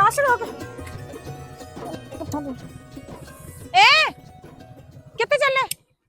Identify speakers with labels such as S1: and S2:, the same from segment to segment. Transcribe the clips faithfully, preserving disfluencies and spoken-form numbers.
S1: पास रोक ए कित्थे चले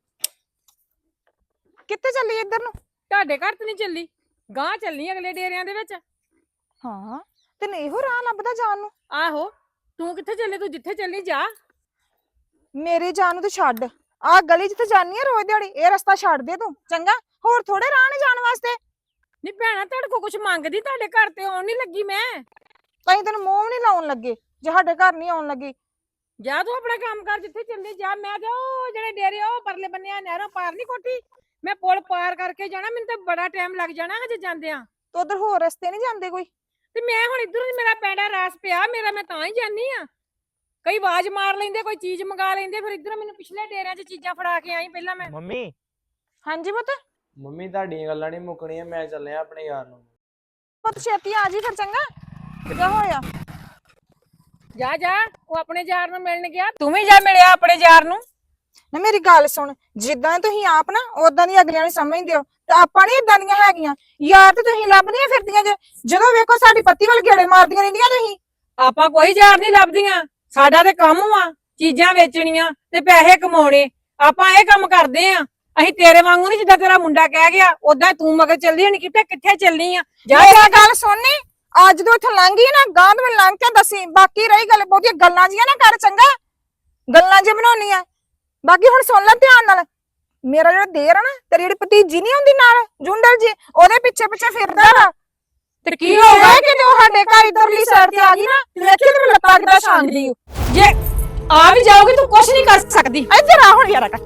S1: कित्थे चली इधर नु
S2: ਤੁਹਾਡੇ ਘਰ ਤੇ ਨਹੀਂ ਚੱਲੀ ਗਾਂ ਚੱਲਣੀ ਅਗਲੇ ਡੇਰਿਆਂ ਦੇ ਵਿੱਚ।
S1: ਹਾਂ ਤੈਨੂੰ ਇਹੋ ਰਾਹ ਲੱਭਦਾ ਜਾਣ ਨੂੰ।
S2: ਆਹੋ ਤੂੰ ਕਿੱਥੇ ਚੱਲੇ ਤੂੰ ਜਿੱਥੇ ਚੱਲੀ ਜਾ।
S1: ਮੇਰੇ ਜਾਣ ਨੂੰ ਤੇ ਛੱਡ ਆ ਗਲੀ ਜਿੱਥੇ ਜਾਨੀ ਆ ਰੋਜ਼ ਦਿਹਾੜੀ ਇਹ ਰਸਤਾ ਛੱਡ ਦੇ ਤੂੰ ਚੰਗਾ ਹੋਰ ਥੋੜੇ ਰਾਹ ਨੇ ਜਾਣ ਵਾਸਤੇ।
S2: ਨਹੀਂ ਭੈਣਾ ਤੁਹਾਡੇ ਕੋ ਕੁਛ ਮੰਗਦੀ ਤੁਹਾਡੇ ਘਰ ਤੇ ਆਉਣ ਨਹੀਂ ਲੱਗੀ ਮੈਂ।
S1: ਕਹੀਂ ਤੈਨੂੰ ਮੂੰਹ ਵੀ ਨਹੀਂ ਲਾਉਣ ਲੱਗੇ ਜੇ ਸਾਡੇ ਘਰ ਨਹੀਂ ਆਉਣ ਲੱਗੀ।
S2: ਜਾ ਤੂੰ ਆਪਣਾ ਕੰਮ ਕਰ ਜਿੱਥੇ ਚੱਲੀ ਜਾ। ਮੈਂ ਤੇ ਉਹ ਜਿਹੜੇ ਡੇਰੇ ਉਹ ਪਰਲੇ ਬੰਨੇ ਆ ਨਹਿਰੋਂ ਪਾਰ ਨਹੀਂ ਕੋਠੀ ਮੈਂ ਪੁਲ ਪਾਰ ਕਰਕੇ ਜਾਣਾ ਮੈਨੂੰ ਤਾਂ ਬੜਾ ਟਾਈਮ ਲੱਗ ਜਾਣਾ ਹਜੇ ਜਾਂਦਿਆਂ।
S1: ਤੇ ਉਧਰ ਹੋਰ ਰਸਤੇ ਨਹੀਂ ਜਾਂਦੇ ਕੋਈ।
S2: ਤੇ ਮੈਂ ਹੁਣ ਇਧਰੋਂ ਮੇਰਾ ਪੈਂਡਾ ਰਾਸ ਪਿਆ ਮੇਰਾ ਮੈਂ ਤਾਂ ਹੀ ਜਾਨੀ ਆ। ਕਈ ਆਵਾਜ਼ ਮਾਰ ਲੈਂਦੇ ਕੋਈ ਚੀਜ਼ ਮੰਗਾ ਲੈਂਦੇ ਫਿਰ ਇਧਰੋਂ ਮੈਨੂੰ ਪਿਛਲੇ ਡੇਰਿਆਂ 'ਚ ਚੀਜ਼ਾਂ ਫੜਾ ਕੇ ਆਈ ਪਹਿਲਾਂ ਮੈਂ।
S3: ਮੰਮੀ
S1: ਹਾਂਜੀ ਪੁੱਤ
S3: ਮੰਮੀ ਤੁਹਾਡੀਆਂ ਗੱਲਾਂ ਨਹੀਂ ਮੁੱਕਣੀਆਂ ਮੈਂ ਚੱਲਿਆ ਆਪਣੇ ਯਾਰ ਨੂੰ।
S1: ਪੁੱਤ ਛੇਤੀ ਆ ਜੀ ਫਿਰ ਚੰਗਾ ਕਿਆ ਹੋਇਆ।
S2: ਜਾ ਜਾ ਉਹ ਆਪਣੇ ਯਾਰ ਨੂੰ ਮਿਲਣ ਗਿਆ ਤੂੰ ਵੀ ਜਾ ਮਿਲਿਆ ਆਪਣੇ ਯਾਰ ਨੂੰ।
S1: ਨਾ ਮੇਰੀ ਗੱਲ ਸੁਣ ਜਿੱਦਾਂ ਤੁਸੀਂ ਆਪ ਨਾ ਉਦਾਂ ਦੀ ਅਗਲਿਆਂ ਨੂੰ ਸਮਝਦੇ ਹੋ ਤੇ ਆਪਾਂ ਨੀ ਇਦਾਂ ਦੀਆਂ ਹੈਗੀਆਂ ਯਾਰ ਤੇ ਤੁਸੀਂ ਲੱਭਦੀਆਂ ਫਿਰਦੀਆਂ ਜੇ ਜਦੋਂ ਵੇਖੋ ਸਾਡੀ ਪੱਤੀ ਵੱਲ ਗੇੜੇ ਮਾਰਦੀਆਂ ਰਹਿੰਦੀਆਂ ਤੁਸੀਂ।
S2: ਆਪਾਂ ਕੋਈ ਯਾਰ ਨਹੀਂ ਲੱਭਦੀਆਂ ਸਾਡਾ ਤੇ ਕੰਮ ਆ ਚੀਜ਼ਾਂ ਵੇਚਣੀਆਂ ਤੇ ਪੈਸੇ ਕਮਾਉਣੇ। ਆਪਾਂ ਇਹ ਕੰਮ ਕਰਦੇ ਆ ਅਸੀਂ ਤੇਰੇ ਵਾਂਗੂ ਨਹੀਂ ਜਿੱਦਾਂ ਤੇਰਾ ਮੁੰਡਾ ਕਹਿ ਗਿਆ ਉਦਾਂ ਤੂੰ ਮਗਰ ਚੱਲਦੀ ਹੋਣੀ ਕਿਤੇ ਕਿੱਥੇ ਚੱਲਣੀ ਆ। ਜਾ
S1: ਮੇਰੀ ਗੱਲ ਸੁਣਨੀ ਅੱਜ ਤੋਂ ਇੱਥੋਂ ਲੰਘੀ ਨਾ ਗਾਂਧ ਵਿੱਚ ਲੰਘ ਕੇ ਦੱਸੀ ਬਾਕੀ ਰਹੀ ਗੱਲ ਬਹੁਤੀਆਂ ਗੱਲਾਂ ਜੀਆਂ ਨਾ ਕਰ ਚੰਗਾ ਗੱਲਾਂ ਜੇ ਬਣਾਉਣੀਆਂ ਬਾਕੀ ਹੁਣ ਸੁਣ ਲੈ ਧਿਆਨ ਨਾਲ। ਮੇਰਾ ਜਿਹੜਾ ਦੇਰ ਆ ਨਾ ਤੇਰੀ ਜਿਹੜੀ ਭਤੀਜੀ ਨਹੀਂ ਹੁੰਦੀ ਨਾਲ ਜੁੰਡਲ ਜੀ ਉਹਦੇ ਪਿੱਛੇ ਪਿੱਛੇ ਫਿਰਦਾ ਵਾ
S2: ਤੇ
S1: ਕੀ ਹੋ ਗਿਆ ਕਿ ਜੋ ਸਾਡੇ ਘਰ ਇਧਰਲੀ ਸਾਈਡ ਤੇ ਆ ਗਈ ਨਾ ਤੇ ਵੇਖੀ ਤੇ ਲੱਤਾਂ ਕਿੱਦਾਂ ਛਾਂਗਦੀ
S2: ਜੇ ਆ ਵੀ ਜਾਓਗੇ ਤੂੰ ਕੁਛ ਨਹੀਂ ਕਰ ਸਕਦੀ।
S1: ਇੱਧਰ ਆ ਹੁਣ ਯਾਰ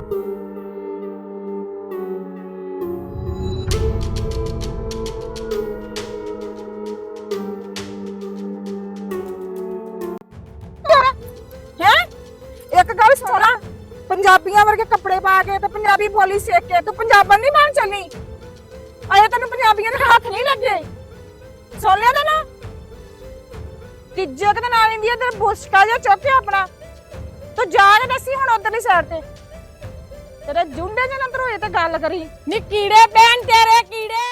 S1: ਇੱਕ ਗੱਲ ਸੁਣਾ ਪੰਜਾਬੀਆਂ ਵਰਗੇ ਕੱਪੜੇ ਪਾ ਕੇ ਤੇ ਪੰਜਾਬੀ ਬੋਲੀ ਸਿੱਖ ਕੇ ਤੂੰ ਪੰਜਾਬਣ ਨਹੀਂ ਬਣ ਚੱਲੀ ਅਜੇ ਤੈਨੂੰ ਪੰਜਾਬੀਆਂ ਦੇ ਹੱਥ ਨਹੀਂ ਲੱਗੇ ਸੁਣ ਲਿਆ ਤਾਂ ਨਾ ਤੀਜੇ ਦੇ ਨਾਲ ਇੰਡੀਆ ਤੇ ਬੁਸਕਾ ਜਿਹਾ ਚੁੱਕ ਕੇ ਆਪਣਾ ਤੂੰ ਜਾ ਕੇ ਦੱਸੀ ਹੁਣ ਉਧਰਲੀ ਸਾਈਡ ਤੇ ਤੇਰੇ ਜੁੰਡੇ ਜਿਹੇ ਅੰਦਰ ਹੋਏ ਤੇ ਗੱਲ ਕਰੀ
S2: ਨੀ ਕੀੜੇ ਪੈਣ ਤੇਰੇ ਕੀੜੇ।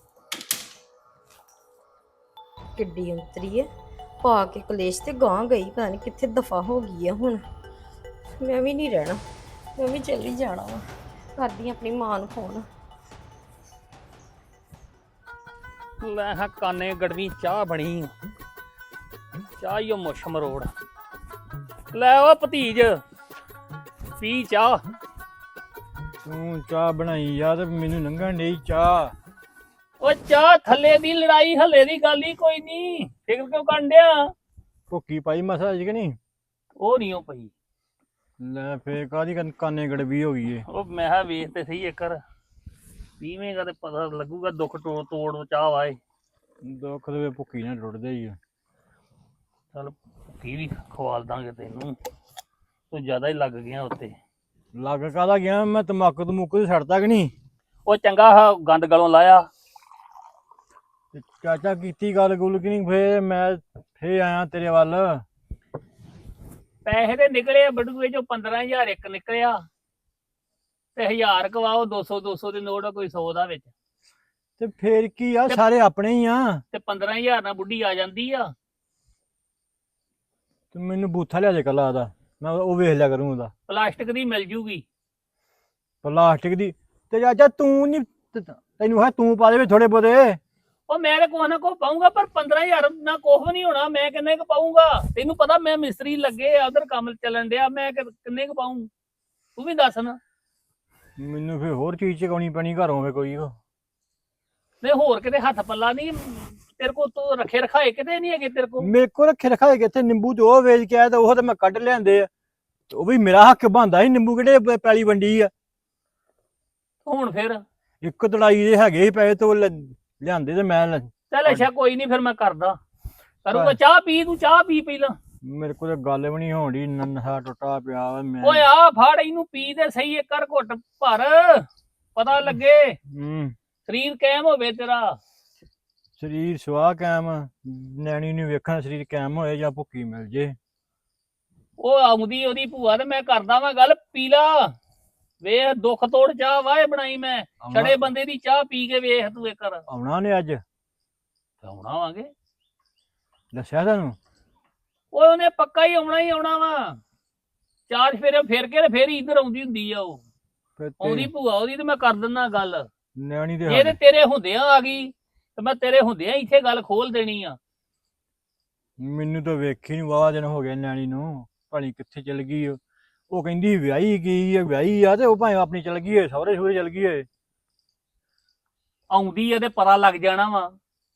S4: ਕਿੱਡੀ ਅੰਤਰੀ ਹੈ ਪਾ ਕੇ ਕਲੇਸ਼ ਤੇ ਗਾਂ ਗਈ ਪਤਾ ਨਹੀਂ ਕਿੱਥੇ ਦਫਾ ਹੋ ਗਈ ਹੈ। ਹੁਣ ਮੈਂ ਵੀ ਨਹੀਂ ਰਹਿਣਾ ਮੈਂ ਵੀ ਚੱਲੀ ਜਾਣਾ ਵਾ ਕਰਦੀ ਆਪਣੀ ਮਾਂ ਨੂੰ ਫੋਨ।
S5: ਲੈ ਹਾਂ ਕਾਨੇ ਗੜਵੀ ਚਾਹ ਬਣੀ ਚਾਹ ਹੀ ਉਹ ਮੁੱਛ ਮਰੋੜ ਲੈ ਉਹ ਭਤੀਜ ਪੀ ਚਾਹ।
S6: ਤੂੰ ਚਾਹ ਬਣਾਈ ਯਾਰ ਮੈਨੂੰ ਲੰਘਣ ਡਈ ਚਾਹ।
S5: ਉਹ ਚਾਹ ਥੱਲੇ ਦੀ ਲੜਾਈ ਹੱਲੇ ਦੀ ਗੱਲ ਹੀ ਕੋਈ ਨਹੀਂ ਫਿਕਰ ਕਿਉਂ ਕਰਨ ਡਿਆ।
S6: ਭੁੱਕੀ ਪਾਈ ਮਸਾ ਅੱਜ ਕਿ ਨਹੀਂ।
S5: ਉਹ ਨਹੀਂ ਉਹ ਪਈ
S6: ਲੈ ਫੇਰ ਕਾਹਦੀ ਕਾਨੇ ਗੜਵੀ ਹੋ ਗਈ ਏ।
S5: ਉਹ ਮੈਂ ਕਿਹਾ ਵੇਖ ਤੇ ਸਹੀ ਇੱਕਰ ਪੀਵੇਂਗਾ ਤੇ ਪਤਾ ਲੱਗੂਗਾ ਦੁੱਖ ਤੋੜ ਤੋੜ ਚਾਹ ਵਾਏ।
S6: ਦੁੱਖ ਦੇ ਭੁੱਕੀ ਨਾਲ ਟੁੱਟਦੇ ਹੀ ਆ।
S5: ਚੱਲ ਭੁੱਕੀ ਵੀ ਖਵਾਲ ਦਾਂਗੇ ਤੈਨੂੰ ਤੂੰ ਜ਼ਿਆਦਾ ਹੀ ਲੱਗ ਗਿਆ ਉੱਤੇ।
S6: ਲੱਗ ਕਾਹਦਾ ਗਿਆ ਮੈਂ ਤਮਾਕੂ ਤਮੂਕੂ ਤੇ ਛੱਡਤਾ ਕਿ ਨਹੀਂ।
S5: ਉਹ ਚੰਗਾ ਆਹ ਗੰਦ ਗਲੋਂ ਲਾਇਆ।
S6: ਤੇ ਚਾਚਾ ਕੀਤੀ ਗੱਲ ਗੁੱਲ ਕਿ ਨਹੀਂ ਫੇਰ ਮੈਂ ਫੇਰ ਆਇਆ ਤੇਰੇ ਵੱਲ।
S5: ਪੈਸੇ ਤੇ ਨਿਕਲੇ ਬਟੂਏ ਚੋਂ ਪੰਦਰਾਂ ਹਜ਼ਾਰ ਇੱਕ ਨਿਕਲਿਆ ਤੇ ਹਜ਼ਾਰ ਕਵਾਓ ਦੋ ਸੌ ਦੋ ਸੌ ਦੇ ਨੋਟ ਕੋਈ ਸੌ ਦਾ ਵਿੱਚ
S6: ਤੇ ਫੇਰ ਕੀ ਆ ਸਾਰੇ ਆਪਣੇ ਹੀ ਆ।
S5: ਤੇ ਪੰਦਰਾਂ ਹਜ਼ਾਰ ਨਾਲ ਬੁੱਢੀ ਆ ਜਾਂਦੀ ਆ।
S6: ਤੇ ਮੈਨੂੰ ਬੂਥਾ ਲਿਆ ਜੇ ਕੱਲਾ ਦਾ ਮੈਂ ਉਹ ਵੇਖ ਲਿਆ ਕਰੂੰ ਉਹਦਾ।
S5: ਪਲਾਸਟਿਕ ਦੀ ਮਿਲ ਜੂਗੀ
S6: ਪਲਾਸਟਿਕ ਦੀ ਤੇ ਚਾਚਾ ਤੂੰ ਨੀ ਤੈਨੂੰ ਹੈ ਤੂੰ ਪਾ ਦੇਵੇ ਥੋੜੇ ਬਹੁਤੇ।
S5: ਉਹ ਮੈਂ ਤਾਂ ਕੋਹ ਨਾ ਕੋ ਪਾਉਂਗਾ ਪਰ ਪੰਦਰਾਂ ਹਜ਼ਾਰ ਨਾ ਕੁਛ ਨਹੀਂ ਹੋਣਾ। ਮੈਂ ਕਿੰਨੇ ਕੁ ਪਾਉਂਗਾ ਤੈਨੂੰ ਪਤਾ ਮੈਂ ਮਿਸਤਰੀ ਲੱਗੇ ਆ ਉਧਰ ਕੰਮ ਚੱਲਣ ਡਿਆ ਮੈਂ ਕਿੰਨੇ ਕੁ ਪਾਊਂ ਤੂੰ ਵੀ ਦੱਸ ਨਾ।
S6: ਮੈਨੂੰ ਫੇਰ ਹੋਰ ਚੀਜ਼ ਚਕਾਉਣੀ ਪੈਣੀ ਘਰੋਂ ਫੇ ਕੋਈ।
S5: ਨਹੀਂ ਹੋਰ ਕਿਤੇ ਹੱਥ ਪੱਲਾ ਨਹੀਂ ਤੇਰੇ ਕੋਲ ਤੂੰ ਰੱਖੇ ਰਖਾਏ ਕਿਤੇ ਨਹੀਂ ਹੈਗੇ ਤੇਰੇ ਕੋਲ।
S6: ਮੇਰੇ ਕੋਲ ਰੱਖੇ ਰਖਾਏ ਕਿੱਥੇ ਨਿੰਬੂ ਤੇ ਉਹ ਵੇਚ ਕੇ ਆਇਆ ਤੇ ਉਹ ਤੇ ਮੈਂ ਕੱਢ ਲਿਆਂਦੇ ਆ। ਉਹ ਵੀ ਮੇਰਾ ਹੱਕ ਬਣਦਾ ਸੀ ਨਿੰਬੂ ਕਿਹੜੇ ਪੈਲੀ ਵੰਡੀ ਆ।
S5: ਹੁਣ ਫਿਰ
S6: ਇੱਕ ਤੜਾਈ ਦੇ ਹੈਗੇ ਸੀ ਪੈਸੇ ਤੇ ਉਹ ਲਿਆਂਦੇ ਤੇ ਮੈਂ
S5: ਚੱਲ ਅੱਛਾ ਕੋਈ ਨਹੀਂ ਫਿਰ ਮੈਂ ਕਰਦਾ ਕਰੂੰਗਾ। ਚਾਹ ਪੀ ਤੂੰ ਚਾਹ ਪੀ ਪਹਿਲਾਂ।
S6: ਮੇਰੇ ਕੋਲ ਗੱਲ ਵੀ ਨਹੀਂ ਹੋਣੀ ਨੰਨਾ ਟੁੱਟਾ ਪਿਆ ਵਾ ਮੈਂ।
S5: ਓਏ ਆ ਫੜ ਇਹਨੂੰ ਪੀ ਤੇ ਸਹੀ ਇੱਕ ਕਰ ਘੁੱਟ ਭਰ ਪਤਾ ਲੱਗੇ
S6: ਹੂੰ
S5: ਸਰੀਰ ਕਾਇਮ ਹੋਵੇ ਤੇਰਾ।
S6: ਸਰੀਰ ਸਵਾਹ ਕਾਇਮ ਨੈਣੀ ਨੂੰ ਵੇਖਣਾ ਸਰੀਰ ਕਾਇਮ ਹੋਏ ਜਾਂ ਭੁੱਕੀ ਮਿਲ ਜੇ।
S5: ਉਹ ਆਉਂਦੀ ਉਹਦੀ ਭੂਆ ਤੇ ਮੈਂ ਕਰਦਾ ਵਾਂ ਗੱਲ ਪੀ ਲਾ ਵੇਖ ਦੁੱਖ ਤੋੜ ਚਾਹ ਵਾਏ ਬਣਾਈ ਮੈਂ ਛੜੇ ਬੰਦੇ ਦੀ ਚਾਹ ਪੀ ਕੇ ਵੇਖ ਤੂੰ ਇੱਕ ਵਾਰ।
S6: ਆਉਣਾ ਨੇ ਅੱਜ
S5: ਆਉਣਾ ਵਾਂਗੇ
S6: ਦੱਸਿਆ ਤੁਹਾਨੂੰ
S5: ਓਏ ਉਹਨੇ ਪੱਕਾ ਹੀ ਆਉਣਾ ਹੀ ਆਉਣਾ ਵਾ। ਚਾਰ ਫੇਰੇ ਫਿਰ ਕੇ ਤੇ ਫੇਰ ਹੀ ਇੱਧਰ ਆਉਂਦੀ ਹੁੰਦੀ ਆ ਉਹ।
S6: ਫਿਰ
S5: ਆਉਂਦੀ
S6: ਤੇ
S5: ਭੂਆ ਉਹਦੀ ਤੇ ਮੈਂ ਕਰ ਦਿੰਦਾ ਗੱਲ।
S6: ਨਿਆਣੀ ਦੇ
S5: ਜੇ ਤੇ ਤੇਰੇ ਹੁੰਦਿਆਂ ਆ ਗਈ ਤੇ ਮੈਂ ਤੇਰੇ ਹੁੰਦਿਆਂ ਇੱਥੇ ਗੱਲ ਖੋਲ ਦੇਣੀ ਆ।
S6: ਮੈਨੂੰ ਤਾਂ ਵੇਖੀ ਨਹੀਂ ਵਾਵਾ ਦਿਨ ਹੋ ਗਏ ਨਿਆਣੀ ਨੂੰ, ਭਲੀ ਕਿੱਥੇ ਚਲ ਗਈ ਉਹ। ਉਹ ਕਹਿੰਦੀ ਵਿਆਹੀ ਗਈ ਆ ਵਿਆਹੀ ਆ, ਤੇ ਉਹ ਭਾਵੇਂ ਆਪਣੀ ਚਲ ਗਈ ਏ ਸਹੁਰੇ ਸਹੁਰੇ ਚਲ ਗਈ ਏ।
S5: ਆਉਂਦੀ ਆ ਤੇ ਪਤਾ ਲੱਗ ਜਾਣਾ ਵਾ।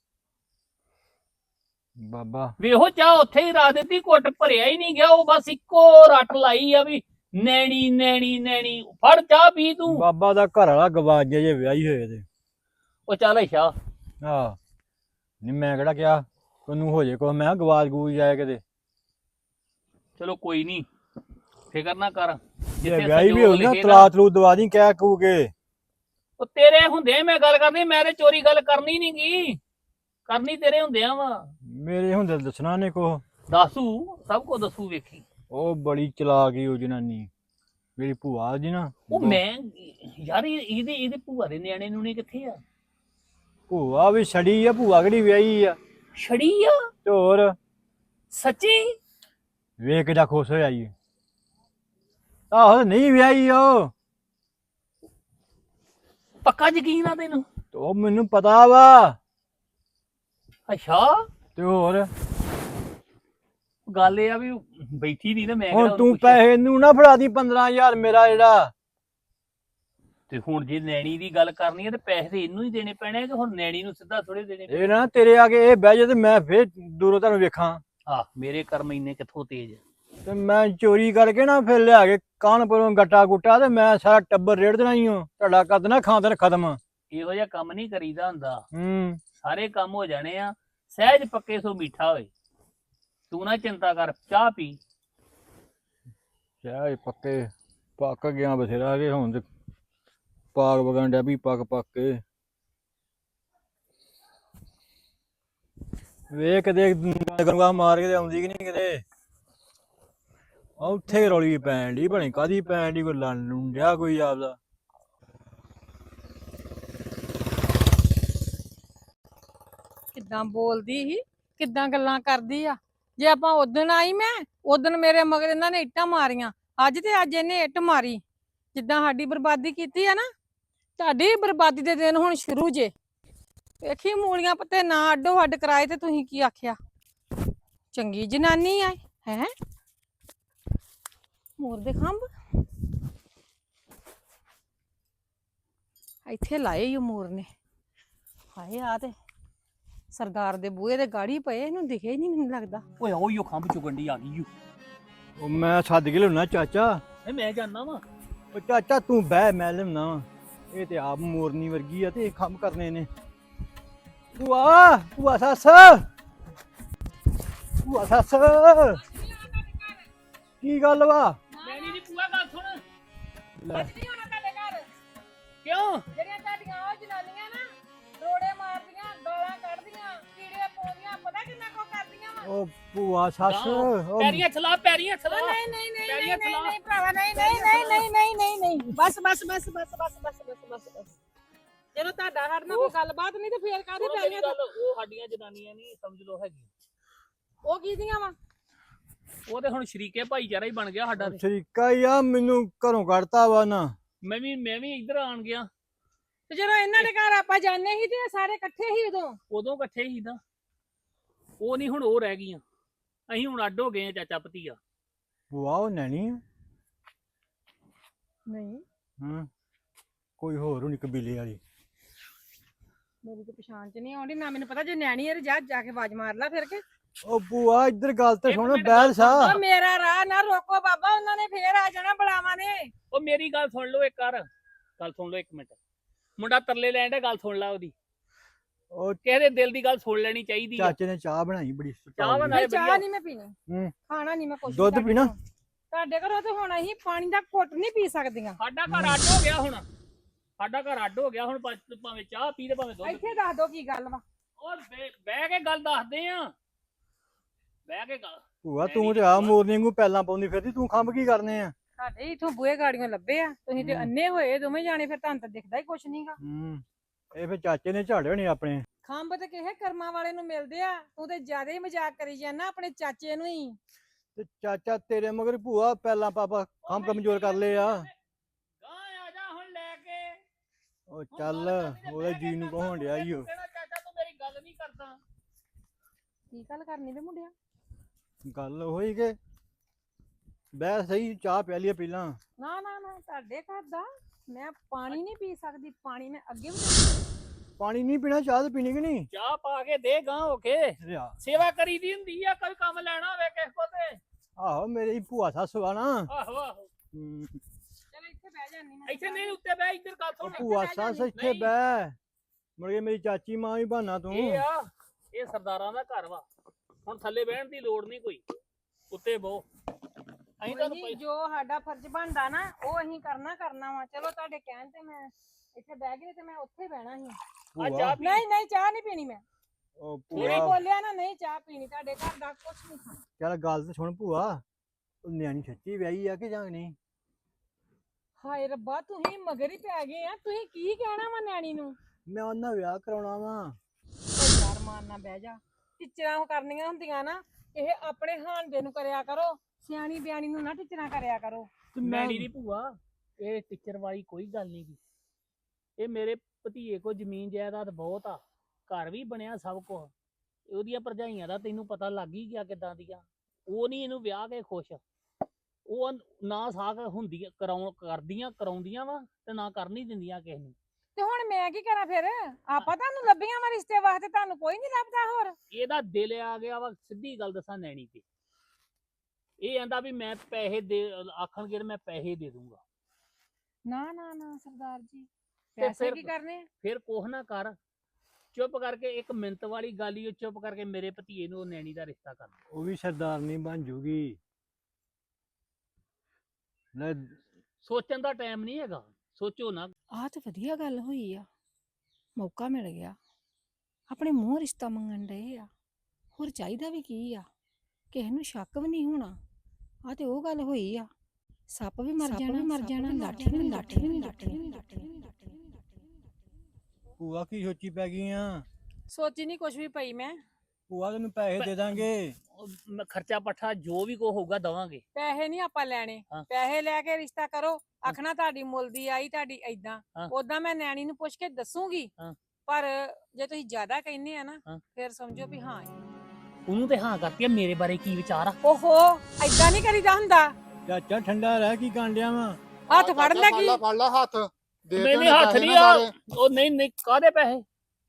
S6: ਬਾਬਾ
S5: ਵੇਹੋ ਚਾਹ ਉੱਥੇ ਹੀ ਰੱਖ ਦਿੱਤੀ, ਘੁੱਟ ਭਰਿਆ ਹੀ ਨਹੀਂ ਗਿਆ। ਉਹ ਬਸ ਇੱਕੋ ਰੱਟ ਲਾਈ ਆ ਵੀ ਨੈਣੀ ਨੈਣੀ ਨੈਣੀ। ਫੜ ਚਾਹ ਪੀ ਤੂੰ।
S6: ਬਾਬਾ ਦਾ ਘਰ ਵਾਲਾ ਗਵਾਚ ਗਿਆ ਜੇ ਵਿਆਹੀ ਹੋਏ ਤੇ।
S5: ਉਹ ਚੱਲ ਅੱਛਾ
S6: ਆਹ ਨਹੀਂ ਮੈਂ ਕਿਹੜਾ ਕਿਹਾ ਤੈਨੂੰ ਹੋ ਜੇ ਕੋ, ਮੈਂ ਕਿਹਾ ਗਵਾਚ ਗੂਚ ਜਾਏ ਕਿਤੇ।
S5: ਚਲੋ ਕੋਈ ਨਹੀਂ, ਫਿਕਰ ਨਾ ਕਰ।
S6: ਜੇ ਵਿਆਹੀ ਵੀ ਹੋਈ ਨਾ
S5: ਲਿਖੇ
S6: ਤਲਾਕ ਤਲੂ ਦਵਾ ਦੀ ਕਹਿ ਕੂ ਕੇ।
S5: ਉਹ ਤੇਰੇ ਹੁੰਦੇ ਮੈਂ ਗੱਲ ਕਰਨੀ, ਮੈਂ ਤੇ ਚੋਰੀ ਗੱਲ ਕਰਨੀ ਨੀ ਗੀ। ਕਰਨੀ ਤੇਰੇ ਹੁੰਦਿਆਂ ਵਾ।
S6: ਮੇਰੇ ਹੁੰਦੇ ਦੱਸਣਾ ਨੇ ਕੋ।
S5: ਦੱਸੂ ਸਭ ਕੁਝ ਦੱਸੂ ਵੇਖੀ।
S6: ਉਹ ਬੜੀ ਚਲਾਕ ਈ ਉਹ ਜਨਾਨੀ ਮੇਰੀ ਭੂਆ ਜੀ ਨਾ।
S5: ਉਹ ਮੈਂ ਯਾਰ ਇਹ- ਇਹਦੇ ਇਹਦੇ ਭੂਆ ਦੇ ਨਿਆਣੇ ਨੂੰ ਨੇ ਕਿੱਥੇ ਆ?
S6: ਭੂਆ ਵੀ ਛੜੀ ਆ, ਭੂਆ ਕਿਹੜੀ ਵਿਆਹੀ ਆ।
S5: ਛੜੀ ਆ?
S6: ਤੇ ਹੋਰ
S5: ਸੱਚੀ?
S6: ਵੇਖ ਕੇ ਜਾ ਖੁਸ਼ ਹੋਇਆ ਈ। ਆਹੋ ਨਹੀਂ ਵਿਆਹੀ ਉਹ।
S5: ਪੱਕਾ ਯਕੀਨ ਆ ਤੈਨੂੰ?
S6: ਤੇ ਉਹ ਮੈਨੂੰ ਪਤਾ ਵਾ।
S5: ਅੱਛਾ
S6: ਤੇ ਹੋਰ
S5: ਗੱਲ ਇਹ ਆ ਵੀ ਬੈਠੀ ਨਹੀਂ ਨਾ, ਮੈਂ
S6: ਹੁਣ
S5: ਕਿਹੜਾ
S6: ਤੂੰ
S5: ਉਹਨੂੰ ਪੁੱਛਿਆ।
S6: ਪੈਸੇ ਨੂੰ ਨਾ ਫੜਾ ਦੀ ਪੰਦਰਾਂ ਹਜ਼ਾਰ ਮੇਰਾ ਜਿਹੜਾ।
S5: ਤੇ ਹੁਣ ਜੇ ਨੈਣੀ ਦੀ ਗੱਲ ਕਰਨੀ ਹੈ ਤੇ ਪੈਸੇ ਤੇ ਇਹਨੂੰ ਹੀ ਦੇਣੇ ਪੈਣੇ ਆ ਕਿ ਹੁਣ ਨੈਣੀ ਨੂੰ ਸਿੱਧਾ ਥੋੜੇ ਦੇਣੇ ਪੈਣੇ?
S6: ਇਹ ਨਾ ਤੇਰੇ ਆ ਕੇ ਇਹ ਬਹਿ ਜਾ ਤੇ ਮੈਂ ਫੇਰ ਦੂਰੋਂ ਤੁਹਾਨੂੰ ਵੇਖਾਂ।
S5: ਆ ਮੇਰੇ ਕਰਮ ਇੰਨੇ ਕਿੱਥੋਂ ਤੇਜ਼?
S6: ਤੇ ਮੈਂ ਚੋਰੀ ਕਰਕੇ ਨਾ ਫਿਰ ਲਿਆ ਕੇ ਕਾਨਪੁਰੋਂ ਗੱਟਾ ਗੁੱਟਾ ਤੇ ਮੈਂ ਸਾਰਾ ਟੱਬਰ ਰੇੜ ਦੇਣਾ ਹੀ ਹਾਂ। ਤੁਹਾਡਾ ਕਰ ਦੇਣਾ ਖਾਂਦਰ ਖਤਮ।
S5: ਇਹੋ ਜਿਹਾ ਕੰਮ ਨਹੀਂ ਕਰੀਦਾ ਹੁੰਦਾ।
S6: ਹੂੰ
S5: ਸਾਰੇ ਕੰਮ ਹੋ ਜਾਣੇ ਆ। ਸਹਿਜ ਪੱਕੇ ਸੋ ਮਿੱਠਾ ਹੋਏ। ਤੂੰ ਨਾ ਚਿੰਤਾ ਕਰ, ਚਾਹ ਪੀ।
S6: ਚਾਹ ਪੱਕੇ ਪੱਕ ਗਿਆ ਬਥੇਰਾ ਕੇ ਹੁਣ ਤੇ ਪਾਕ ਵਗਣ ਡਿਆ ਵੀ ਪੱਕ ਪੱਕ ਕੇ। ਵੇਖ ਕਦੇ ਗੰਗਾ ਮਾਰ ਕੇ ਤੇ ਆਉਂਦੀ ਕਿ ਨਹੀਂ ਕਿਤੇ। ਉੱਥੇ ਰੌਲੀ ਪੈਣ ਡਈ, ਭਣੀ ਕਾਹਦੀ ਪੈਣ ਡਈ, ਕੋਈ ਲੰਨ ਲੁੰਡਿਆ ਕੋਈ ਆਪਦਾ।
S2: ਕਿੱਦਾਂ ਬੋਲਦੀ ਸੀ, ਕਿੱਦਾਂ ਗੱਲਾਂ ਕਰਦੀ ਆ। ਜੇ ਆਪਾਂ ਉਦਣ ਆਈ ਮੈਂ ਉਦਣ ਮੇਰੇ ਮਗਰ ਇਹਨਾਂ ਨੇ ਇੱਟਾਂ ਮਾਰੀਆਂ, ਅੱਜ ਤੇ ਅੱਜ ਇਹਨੇ ਇੱਟ ਮਾਰੀ। ਜਿੱਦਾਂ ਸਾਡੀ ਬਰਬਾਦੀ ਕੀਤੀ ਆ ਨਾ, ਤੁਹਾਡੀ ਬਰਬਾਦੀ ਦੇ ਦਿਨ ਹੁਣ ਸ਼ੁਰੂ ਜੇ। ਵੇਖੀ ਮੂਲੀਆਂ ਪੱਤੇ ਨਾ ਅੱਡੋ ਅੱਡ ਕਰਾਏ ਤੇ ਤੁਸੀਂ ਕੀ ਆਖਿਆ? ਚੰਗੀ ਜਨਾਨੀ ਆ ਹੈ। ਮੋਰ ਦੇ ਖੰਭ ਇੱਥੇ ਲਾਏ ਈ ਓ ਮੋਰ ਨੇ। ਹਾਏ ਆ ਤੇ ਸਰਦਾਰ ਦੇ ਬੂਹੇ ਦੇ ਗਾੜੀ ਪਏ, ਇਹਨੂੰ ਦਿਖੇ ਹੀ ਨਹੀਂ ਮੈਨੂੰ ਲੱਗਦਾ।
S5: ਓਏ ਉਹੀ ਉਹ ਖੰਭ ਚੁਗੰਡੀ ਆ ਗਈ ਓ।
S6: ਉਹ ਮੈਂ ਸੱਦ ਕੇ ਲਿਆਉਣਾ ਚਾਚਾ।
S5: ਇਹ ਮੈਂ ਜਾਣਾ ਵਾ।
S6: ਉਹ ਚਾਚਾ ਤੂੰ ਬਹਿ, ਮੈਂ ਲਿਆਉਣਾ ਵਾ। ਇਹ ਤੇ ਆਪ ਮੋਰਨੀ ਵਰਗੀ ਆ ਤੇ ਇਹ ਕੰਮ ਕਰਨੇ ਨੇ। ਭੂਆ ਭੂਆ ਸੱਸ ਭੂਆ ਸੱਸ ਕੀ ਗੱਲ ਵਾ?
S5: ਨੈਣੀ ਦੀ ਭੂਆ ਗੱਲ ਸੁਣ।
S6: ਲੈ
S2: ਨਹੀਂ ਹੋਣਾ ਤੁਹਾਡੇ ਘਰ।
S5: ਕਿਉਂ?
S2: ਜਿਹੜੀਆਂ ਤੁਹਾਡੀਆਂ ਉਹ ਜਨਾਨੀਆਂ ਨਾ ਰੋੜੇ ਮਾਰਦੀਆਂ, ਗਾਲਾਂ ਕੱਢਦੀਆਂ, ਕੀੜੇ ਪਾਉਂਦੀਆਂ, ਪਤਾ ਕਿੰਨਾ ਕੁ ਕਰਦੀਆਂ ਵਾ।
S6: ਉਹ ਭੂਆ ਸੱਸ ਉਹ
S5: ਪੈਰੀਆਂ ਚਲਾ, ਪੈਰੀਆਂ ਚਲਾ।
S2: ਨਹੀਂ ਨਹੀਂ ਨਹੀਂ
S5: ਪੈਰੀਆਂ
S2: ਨਹੀਂ
S5: ਚਲਾ।
S2: ਨਹੀਂ ਭਰਾਵਾ, ਨਹੀਂ ਨਹੀਂ ਨਹੀਂ ਨਹੀਂ ਨਹੀਂ ਨਹੀਂ ਨਹੀਂ ਬਸ ਬਸ ਬਸ ਬਸ ਬਸ ਬਸ ਬਸ ਬਸ ਬਸ। ਜਦੋਂ ਤੁਹਾਡਾ ਸਾਡੇ ਨਾਲ ਕੋਈ ਗੱਲਬਾਤ ਨਹੀਂ ਤੇ ਫੇਰ ਕਾਹਦੇ
S5: ਉਹ
S2: ਪੈਰੀਆਂ
S5: ਗੱਲ ਉਹ ਸਾਡੀਆਂ ਜਨਾਨੀਆਂ ਨਹੀਂ ਸਮਝ ਲੋ ਹੈਗੀ।
S2: ਉਹ ਕੀ ਦੀਆਂ ਵਾ?
S5: ਉਹ ਤੇ ਹੁਣ ਸ਼ਰੀਕੇ ਭਾਈਚਾਰਾ ਹੀ ਬਣ ਗਿਆ ਸਾਡਾ ਤੇ।
S6: ਸ਼ਰੀਕਾ ਹੀ ਆ, ਮੈਨੂੰ ਘਰੋਂ ਕੱਢਤਾ ਵਾ ਨਾ।
S5: ਮੈਂ ਵੀ ਮੈਂ ਵੀ ਇੱਧਰ ਆਣ ਗਿਆ।
S2: ਤੇ ਜਦੋਂ ਇਹਨਾਂ ਦੇ ਘਰ ਆਪਾਂ ਜਾਂਦੇ ਸੀ ਤੇ ਸਾਰੇ ਇਕੱਠੇ ਸੀ ਉਦੋਂ।
S5: ਉਦੋਂ ਇਕੱਠੇ ਹੀ ਨਾ। ਉਹ ਨਹੀਂ ਹੁਣ ਉਹ ਰਹਿ ਗਈਆਂ। ਅਸੀਂ ਹੁਣ ਅੱਡ ਹੋ ਗਏ ਆ ਚਾਚਾ ਭਤੀਆ।
S6: ਭੂਆ ਉਹ ਨੈਣੀ ਆ?
S2: ਨਹੀਂ
S6: ਹਾਂ ਕੋਈ ਹੋਰ ਹੋਣੀ ਕਬੀਲੇ ਵਾਲੀ।
S2: ਮੇਰੀ ਤਾਂ ਪਛਾਣ ਚ ਨਹੀਂ ਆਉਂਦੀ ਨਾ, ਮੈਨੂੰ ਪਤਾ ਜੇ ਨਿਆਣੀ ਹੈ ਜਾ ਜਾ ਕੇ ਆਵਾਜ਼ ਮਾਰ ਲੈ ਫਿਰ ਕੇ।
S6: ਉਹ ਭੂਆ ਇੱਧਰ ਗੱਲ ਤੇ
S5: ਇੱਕ
S6: ਸੁਣ
S5: ਮਿੰਟ
S6: ਬੈਲ ਸਾ।
S2: ਉਹ ਮੇਰਾ ਰਾਹ ਨਾ ਰੋਕੋ ਬਾਬਾ, ਉਹਨਾਂ ਨੇ ਫੇਰ ਆ ਜਾਣਾ ਬੜਾਵਾਂ ਨੇ।
S5: ਉਹ ਮੇਰੀ ਗੱਲ ਸੁਣ ਲਓ ਇੱਕ ਕਰ ਗੱਲ ਸੁਣ ਲਓ ਇੱਕ ਮਿੰਟ। ਮੁੰਡਾ ਤਰਲੇ ਲੈਣ ਦਾ, ਗੱਲ ਸੁਣ ਲਾ ਉਹਦੀ।
S6: ਉਹ
S5: ਕਿਸੇ ਦੇ ਦਿਲ ਦੀ ਗੱਲ ਸੁਣ ਲੈਣੀ ਚਾਹੀਦੀ ਆ।
S6: ਚਾਚੇ ਨੇ ਚਾਹ ਬਣਾਈ ਬੜੀ
S5: ਚਾਹ ਬਣਾ-
S2: ਨਹੀਂ ਚਾਹ ਨਹੀਂ ਮੈਂ ਪੀਣੀ,
S6: ਹੂੰ
S2: ਖਾਣਾ ਨਹੀਂ ਮੈਂ ਕੁਛ।
S6: ਦੁੱਧ ਪੀਣਾ?
S2: ਤੁਹਾਡੇ ਘਰੋਂ ਤੇ ਹੁਣ ਅਸੀਂ ਪਾਣੀ ਦਾ ਘੁੱਟ ਨਹੀਂ ਪੀ ਸਕਦੀਆਂ।
S5: ਸਾਡਾ ਘਰ ਅੱਡ ਹੋ ਗਿਆ ਹੁਣ। ਸਾਡਾ ਘਰ ਅੱਡ ਹੋ ਗਿਆ ਹੁਣ। ਭਾ- ਭਾਵੇਂ ਚਾਹ ਪੀ ਤੇ ਭਾਵੇਂ ਦੁੱਧ।
S2: ਇੱਥੇ ਦੱਸ ਦੋ ਕੀ ਗੱਲ ਵਾ।
S5: ਉਹ ਬਹਿ ਬਹਿ ਕੇ ਗੱਲ ਦੱਸਦੇ ਆ। ਬਹਿ ਕੇ ਗੱਲ।
S6: ਭੂਆ ਤੂੰ ਤੇ ਆ ਮੋਰਨੀ ਵਾਂਗੂ ਪੈਲਾਂ ਪਾਉਂਦੀ ਫਿਰਦੀ, ਤੂੰ ਖੰਭ ਕੀ ਕਰਨੇ ਆ?
S2: ਸਾਡੇ ਇਥੋਂ ਬੂਹੇ ਗਾੜੀਆਂ ਲੱਭੇ ਆ, ਤੁਸੀਂ ਤੇ
S6: ਹੂੰ।
S2: ਅੰਨੇ ਹੋਏ ਦੋਵੇਂ ਜਾਣੇ, ਫਿਰ ਤੁਹਾਨੂੰ ਤਾਂ ਦਿਖਦਾ ਹੀ ਕੁਛ ਨਹੀਂਗਾ।
S6: ਹੂੰ ਇਹ ਫਿਰ ਚਾਚੇ ਨੇ ਝਾੜੇ ਹੋਣੇ ਆਪਣੇ।
S2: ਖੰਭ ਤੇ ਕਿਸੇ ਕਰਮਾਂ ਵਾਲੇ ਨੂੰ ਮਿਲਦੇ ਆ, ਤੂੰ ਤੇ ਜ਼ਿਆਦਾ ਹੀ ਮਜ਼ਾਕ ਕਰੀ ਜਾਂਦਾ ਆਪਣੇ ਚਾਚੇ ਨੂੰ ਹੀ।
S6: ਤੇ ਚਾਚਾ ਤੇਰੇ ਮਗਰ ਭੂਆ ਪਹਿਲਾਂ ਪਾਪਾ ਕੰਮ ਕਮਜ਼ੋਰ ਕਰ ਲਏ ਆ।
S5: ਗਾਂ ਆ ਜਾ ਹੁਣ ਲੈ ਕੇ।
S6: ਉਹ ਚੱਲ ਉਹਦੇ ਜੀ ਨੂੰ ਕਹਾਉਣ ਡਿਆ ਈ ਓ।
S5: ਕਹਿਣਾ ਚਾਚਾ ਤੂੰ ਮੇਰੀ ਗੱਲ ਨਹੀਂ ਕਰਦਾ।
S2: ਕੀ ਗੱਲ ਕਰਨੀ ਵੇ ਮੁੰਡਿਆ?
S6: ਗੱਲ ਹੋਈ ਕਿ ਬਹਿ ਸਹੀ, ਚਾਹ ਪਿਆ ਲਈਏ ਪਹਿਲਾਂ।
S2: ਨਾ ਨਾ ਨਾ, ਤੁਹਾਡੇ ਘਰ ਦਾ ਮੈਂ ਪਾਣੀ ਨਹੀਂ ਪੀ ਸਕਦੀ। ਪਾਣੀ ਮੈਂ ਅੱਗੇ ਵੀ
S6: ਪਾਣੀ ਨਹੀਂ ਪੀਣਾ, ਚਾਹ ਤੇ ਪੀਣੀ ਕਿ ਨਹੀਂ?
S5: ਚਾਹ ਪਾ ਕੇ ਦੇ ਗਾਂ ਹੋ ਕੇ।
S6: ਰਿਆ
S5: ਸੇਵਾ ਕਰੀ ਦੀ ਹੁੰਦੀ ਆ, ਕੋਈ ਕੰਮ ਲੈਣਾ ਹੋਵੇ ਕਿਸੇ ਕੋ ਤੇ।
S6: ਆਹੋ ਮੇਰੀ ਭੂਆ ਸੱਸ ਵਾ ਨਾ।
S5: ਆਹੋ ਆਹੋ
S6: ਹਮ,
S2: ਚਲ ਇੱਥੇ ਬਹਿ ਜਾਨੀ ਮੈਂ।
S5: ਇੱਥੇ ਨਹੀਂ, ਉੱਤੇ ਬਹਿ, ਇੱਧਰ ਗੱਲ
S6: ਉਹ
S5: ਸੁਣ।
S6: ਭੂਆ ਸੱਸ ਇੱਥੇ
S5: ਨਹੀਂ।
S6: ਬਹਿ, ਮੁੜ ਕੇ ਮੇਰੀ ਚਾਚੀ ਮਾਂ ਵੀ ਬਹਾਨਾ ਤੂੰ।
S5: ਇਹ ਆ, ਇਹ ਸਰਦਾਰਾਂ ਦਾ ਘਰ ਵਾ। ਹੁਣ ਥੱਲੇ ਬਹਿਣ ਦੀ ਲੋੜ ਨਹੀਂ ਕੋਈ, ਉੱਤੇ ਬਹੋ। ਅਸੀਂ ਤੁਹਾਨੂੰ
S2: ਨਹੀਂ,
S5: ਪਈ-
S2: ਜੋ ਸਾਡਾ ਫਰਜ਼ ਬਣਦਾ ਨਾ ਉਹ ਅਸੀਂ ਕਰਨਾ ਕਰਨਾ ਵਾ। ਚਲੋ ਤੁਹਾਡੇ ਕਹਿਣ ਤੇ ਮੈਂ ਇੱਥੇ ਬਹਿ ਗਈ ਤੇ ਮੈਂ ਉੱਥੇ ਬਹਿਣਾ ਸੀ।
S5: ਆ
S6: ਭੂਆ
S5: ਚਾਹ ਪੀ।
S2: ਨਹੀਂ ਨਹੀਂ, ਚਾਹ ਨਹੀਂ ਪੀਣੀ ਮੈਂ।
S6: ਉਹ
S2: ਮੇਰੇ
S6: ਭੂਆ
S2: ਬੋਲਿਆ ਨਾ, ਨਹੀਂ ਚਾਹ ਪੀਣੀ। ਤੁਹਾਡੇ ਘਰ ਦਾ ਕੁਝ ਨਹੀਂ ਖਾਣਾ।
S6: ਚੱਲ ਗੱਲ ਤੇ ਸੁਣ ਭੂਆ, ਉਹ ਨਿਆਣੀ ਸੱਚੀ ਵਿਆਹੀ ਆ ਕਿ ਜਾਂ ਨਹੀਂ?
S2: ਹਾਏ ਰੱਬਾ, ਤੁਸੀਂ ਮਗਰ ਹੀ ਪੈ ਗਏ ਆ। ਤੁਸੀਂ ਕੀ ਕਹਿਣਾ ਵਾ ਨਿਆਣੀ ਨੂੰ?
S6: ਮੈਂ ਉਹਨਾਂ ਵਿਆਹ ਕਰਾਉਣਾ ਵਾ।
S2: ਉਹ ਯਾਰ ਮਾਰਨਾ ਬਹਿ ਜਾ। ਟਿਚਰਾਂ ਕਰਨੀਆਂ ਹੁੰਦੀਆਂ ਨਾ, ਇਹ ਆਪਣੇ ਹਾਨਦੇ ਨੂੰ ਕਰਿਆ ਕਰੋ, ਸਿਆਣੀ ਬਿਆਣੀ ਨੂੰ ਨਾ ਟਿਚਰਾਂ ਕਰਿਆ ਕਰੋ।
S6: ਤੇ ਮੈਂ
S5: ਮੈਡੀ ਦੀ ਭੂਆ, ਇਹ ਟੀਚਰ ਵਾਲੀ ਕੋਈ ਗੱਲ ਨਹੀਂ ਗੀ। ਇਹ ਮੇਰੇ ਭਤੀਏ ਕੋ ਜ਼ਮੀਨ ਜਾਇਦਾਦ ਬਹੁਤ ਆ, ਘਰ ਵੀ ਬਣਿਆ ਸਭ ਕੁਝ। ਉਹਦੀਆਂ ਭਰਜਾਈਆਂ ਦਾ ਤੈਨੂੰ ਪਤਾ ਲੱਗ ਹੀ ਗਿਆ ਕਿਦਾਂ ਦੀਆਂ। ਉਹ ਨਹੀਂ ਇਹਨੂੰ ਵਿਆਹ ਕੇ ਖੁਸ਼। ਉਹ ਨਾ ਸਾਕ ਹੁੰਦੀਆਂ ਕਰਾਉਣ ਕਰਦੀਆਂ ਕਰਾਉਂਦੀਆਂ ਵਾ ਤੇ ਨਾ ਕਰ ਨਹੀਂ ਦਿੰਦੀਆਂ ਕਿਸੇ ਨੂੰ।
S2: ਤੇ ਹੁਣ ਮੈਂ ਕੀ ਕਰਾਂ ਫਿਰ? ਆਪਾਂ ਤੁਹਾਨੂੰ ਲੱਭੀਆਂ ਵਾ ਰਿਸ਼ਤੇ ਵਾਸਤੇ, ਤੁਹਾਨੂੰ ਕੋਈ ਨਹੀਂ ਲੱਭਦਾ ਹੋਰ?
S5: ਇਹਦਾ ਦਿਲ ਆ ਗਿਆ ਵਾ, ਸਿੱਧੀ ਗੱਲ ਦੱਸਾਂ ਨੈਣੀ ਤੇ। ਇਹ ਆਂਦਾ ਵੀ ਮੈਂ ਪੈਸੇ ਦੇ ਆਖਣਗੇ ਮੈਂ ਪੈਸੇ ਦੇ ਦੂੰਗਾ।
S2: ਨਾ ਨਾ ਨਾ ਸਰਦਾਰ ਜੀ,
S5: ਤੇ
S2: ਪੈਸੇ
S5: ਫਿਰ-
S2: ਕੀ ਕਰਨੇ?
S5: ਫਿਰ ਕੋਹ ਨਾ ਕਰ, ਚੁੱਪ ਕਰਕੇ ਇੱਕ ਮਿੰਟ ਵਾਲੀ ਗੱਲ ਹੀ, ਉਹ ਚੁੱਪ ਕਰਕੇ ਮੇਰੇ ਭਤੀਏ ਨੂੰ ਨੈਣੀ ਦਾ ਰਿਸ਼ਤਾ ਕਰ ਦੇ।
S6: ਉਹ ਵੀ ਸਰਦਾਰਨੀ ਬਣ ਜੂਗੀ। ਲੈ
S5: ਸੋਚਣ ਦਾ ਟਾਈਮ ਨਹੀਂ ਹੈਗਾ, ਸੋਚੋ ਨਾ।
S7: ਆਹ ਤੇ ਵਧੀਆ ਗੱਲ ਹੋਈ ਆ, ਮੌਕਾ ਮਿਲ ਗਿਆ। ਆਪਣੇ ਮੂੰਹ ਰਿਸ਼ਤਾ ਮੰਗਣ ਡਏ ਆ, ਹੋਰ ਚਾਹੀਦਾ ਵੀ ਕੀ ਆ? ਕਿਸੇ ਨੂੰ ਸ਼ੱਕ ਵੀ ਨਹੀਂ ਹੋਣਾ। ਆਹ ਤੇ ਉਹ ਗੱਲ ਹੋਈ ਆ, ਸੱਪ ਵੀ ਮਰ ਜਾਣਾ, ਮਰ ਜਾਣਾ, ਲਾਠੀ ਵੀ ਲਾਠੀ ਵੀ ਲਾਠੀ।
S6: ਭੂਆ ਕੀ ਸੋਚੀ ਪੈ ਗਈ ਆ?
S2: ਸੋਚੀ ਨਹੀਂ ਕੁਝ ਵੀ ਪਈ ਮੈਂ।
S6: ਭੂਆ ਤੈਨੂੰ ਪੈਸੇ ਦੇ ਦਾਂਗੇ।
S5: ਉਹ ਮੈਂ ਖਰਚਾ ਪੱਠਾ ਜੋ ਵੀ ਕੋ ਹੋਊਗਾ ਦਵਾਂਗੇ।
S2: ਪੈਸੇ ਨਹੀਂ ਆਪਾਂ ਲੈਣੇ।
S5: ਹਾਂ।
S2: ਪੈਸੇ ਲੈ ਕੇ ਰਿਸ਼ਤਾ ਕਰੋ, ਆਖਣਾ ਤੁਹਾਡੀ ਮੁੱਲ ਦੀ ਆਈ, ਤੁਹਾਡੀ ਏਦਾਂ।
S5: ਹਾਂ।
S2: ਉਦਾਂ ਮੈਂ ਨੈਣੀ ਨੂੰ ਪੁੱਛ ਕੇ ਦੱਸੂਗੀ।
S5: ਹਾਂ।
S2: ਪਰ ਜੇ ਤੁਸੀਂ ਜ਼ਿਆਦਾ ਕਹਿੰਦੇ ਆ ਨਾ,
S5: ਹਾਂ।
S2: ਫਿਰ ਸਮਝੋ ਵੀ ਹਾਂ।
S5: ਉਹਨੂੰ ਤੇ ਹਾਂ ਕਰਤੀ ਆ, ਮੇਰੇ ਬਾਰੇ ਕੀ ਵਿਚਾਰ ਆ?
S2: ਓਹੋ, ਏਦਾਂ ਨਹੀਂ ਕਰੀਦਾ ਹੁੰਦਾ।
S6: ਚਾਚਾ ਠੰਡਾ ਰਹਿ, ਕੀ ਕਾਂਡਿਆ ਵਾ?
S2: ਹੱਥ ਫੜ ਲੈ ਕੀ?
S8: ਫੜ ਲਾ ਹੱਥ ਦੇ
S5: ਨਹੀਂ
S8: ਤੇ
S5: ਨਹੀਂ ਹੱਥ
S8: ਪੈਸੇ
S5: ਨਹੀਂ
S8: ਨਾ
S5: ਆ।
S8: ਸਾਰੇ।
S5: ਉਹ ਨਹੀਂ ਨਹੀਂ, ਕਾਹਦੇ ਪੈਸੇ?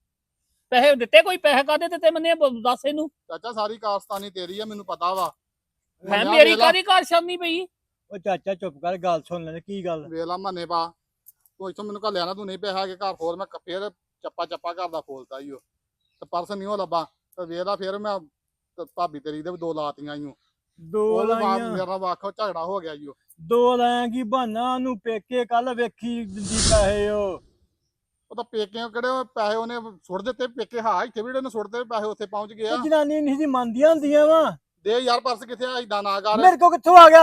S5: ਪੈਸੇ ਦਿੱਤੇ? ਕੋਈ ਪੈਸੇ ਕਾਹਦੇ ਦਿੱਤੇ ਮੈਨੇ ਦੱਸ ਇਹਨੂੰ।
S8: ਚਾਚਾ ਸਾਰੀ ਕਾਰਸਤਾਨੀ ਤੇਰੀ ਆ, ਮੈਨੂੰ ਪਤਾ ਵਾ।
S5: ਮੈਂ
S8: ਮੰਨਿਆ
S5: ਮੇਰੀ
S8: ਵੇਲਾ-
S5: ਕਾਹਦੀ ਕਾਰ ਸ਼ਰਨੀ ਪਈ?
S6: ਉਹ ਚਾਚਾ ਚੁੱਪ ਕਰ, ਗੱਲ ਸੁਣ ਲੈ। ਕੀ ਗੱਲ?
S8: ਵੇਲਾ ਮੰਨੇ ਪਾ, ਤੂੰ ਇੱਥੋਂ ਮੈਨੂੰ ਘੱਲਿਆ ਨਾ, ਤੂੰ ਨਹੀਂ ਪਿਆ ਕੇ ਘਰ ਫੋਰ ਮੈਂ ਫੇਰ ਚੱਪਾ ਚੱਪਾ ਘਰ ਦਾ ਫੋਲਤਾ ਈ ਓ ਤੇ ਪਰਸ ਨਹੀਂ ਉਹ ਲੱਭਾ ਤੇ ਵੇਲਾ ਫੇਰ ਮੈਂ ਤੇ ਭਾਬੀ ਤੇਰੀ ਦੇ ਵੀ ਦੋ ਲਾਤੀਆਂ ਈ ਓ।
S6: ਦੋ
S8: ਉਹ
S6: ਲਾਈਆਂ,
S8: ਮੇਰਾ ਵਾਖੋ ਝਗੜਾ ਹੋ ਗਿਆ ਈ ਓ।
S6: ਦੋ ਲਾਇਆ ਕੀ ਬਹਾਨਾ? ਉਹਨੂੰ ਪੇਕੇ ਕੱਲ ਵੇਖੀ ਦਿੰਦੀ ਪੈਸੇ ਉਹ।
S8: ਉਹ ਤਾਂ ਪੇਕਿਆਂ ਕਿਹੜੇ ਉਹ ਪੈਸੇ ਉਹਨੇ ਸੁੱਟ ਦਿੱਤੇ, ਪੇਕੇ ਹਾਂ ਇੱਥੇ ਵੀ ਉਹਨੇ ਸੁੱਟ ਦਿੱਤੇ, ਪੈਸੇ ਉੱਥੇ ਪਹੁੰਚ ਗਏ ਆ।
S6: ਉਹ ਜਨਾਨੀ ਨਹੀਂ ਸੀ ਮੰਨਦੀਆਂ ਹੁੰਦੀਆਂ ਵਾ।
S8: ਦੇ ਯਾਰ ਪਰਸ ਕਿੱਥੇ ਆ, ਏਦਾਂ ਨਾ ਕਰ।
S6: ਮੇਰੇ ਕੋ ਕਿੱਥੋਂ ਆ ਗਿਆ?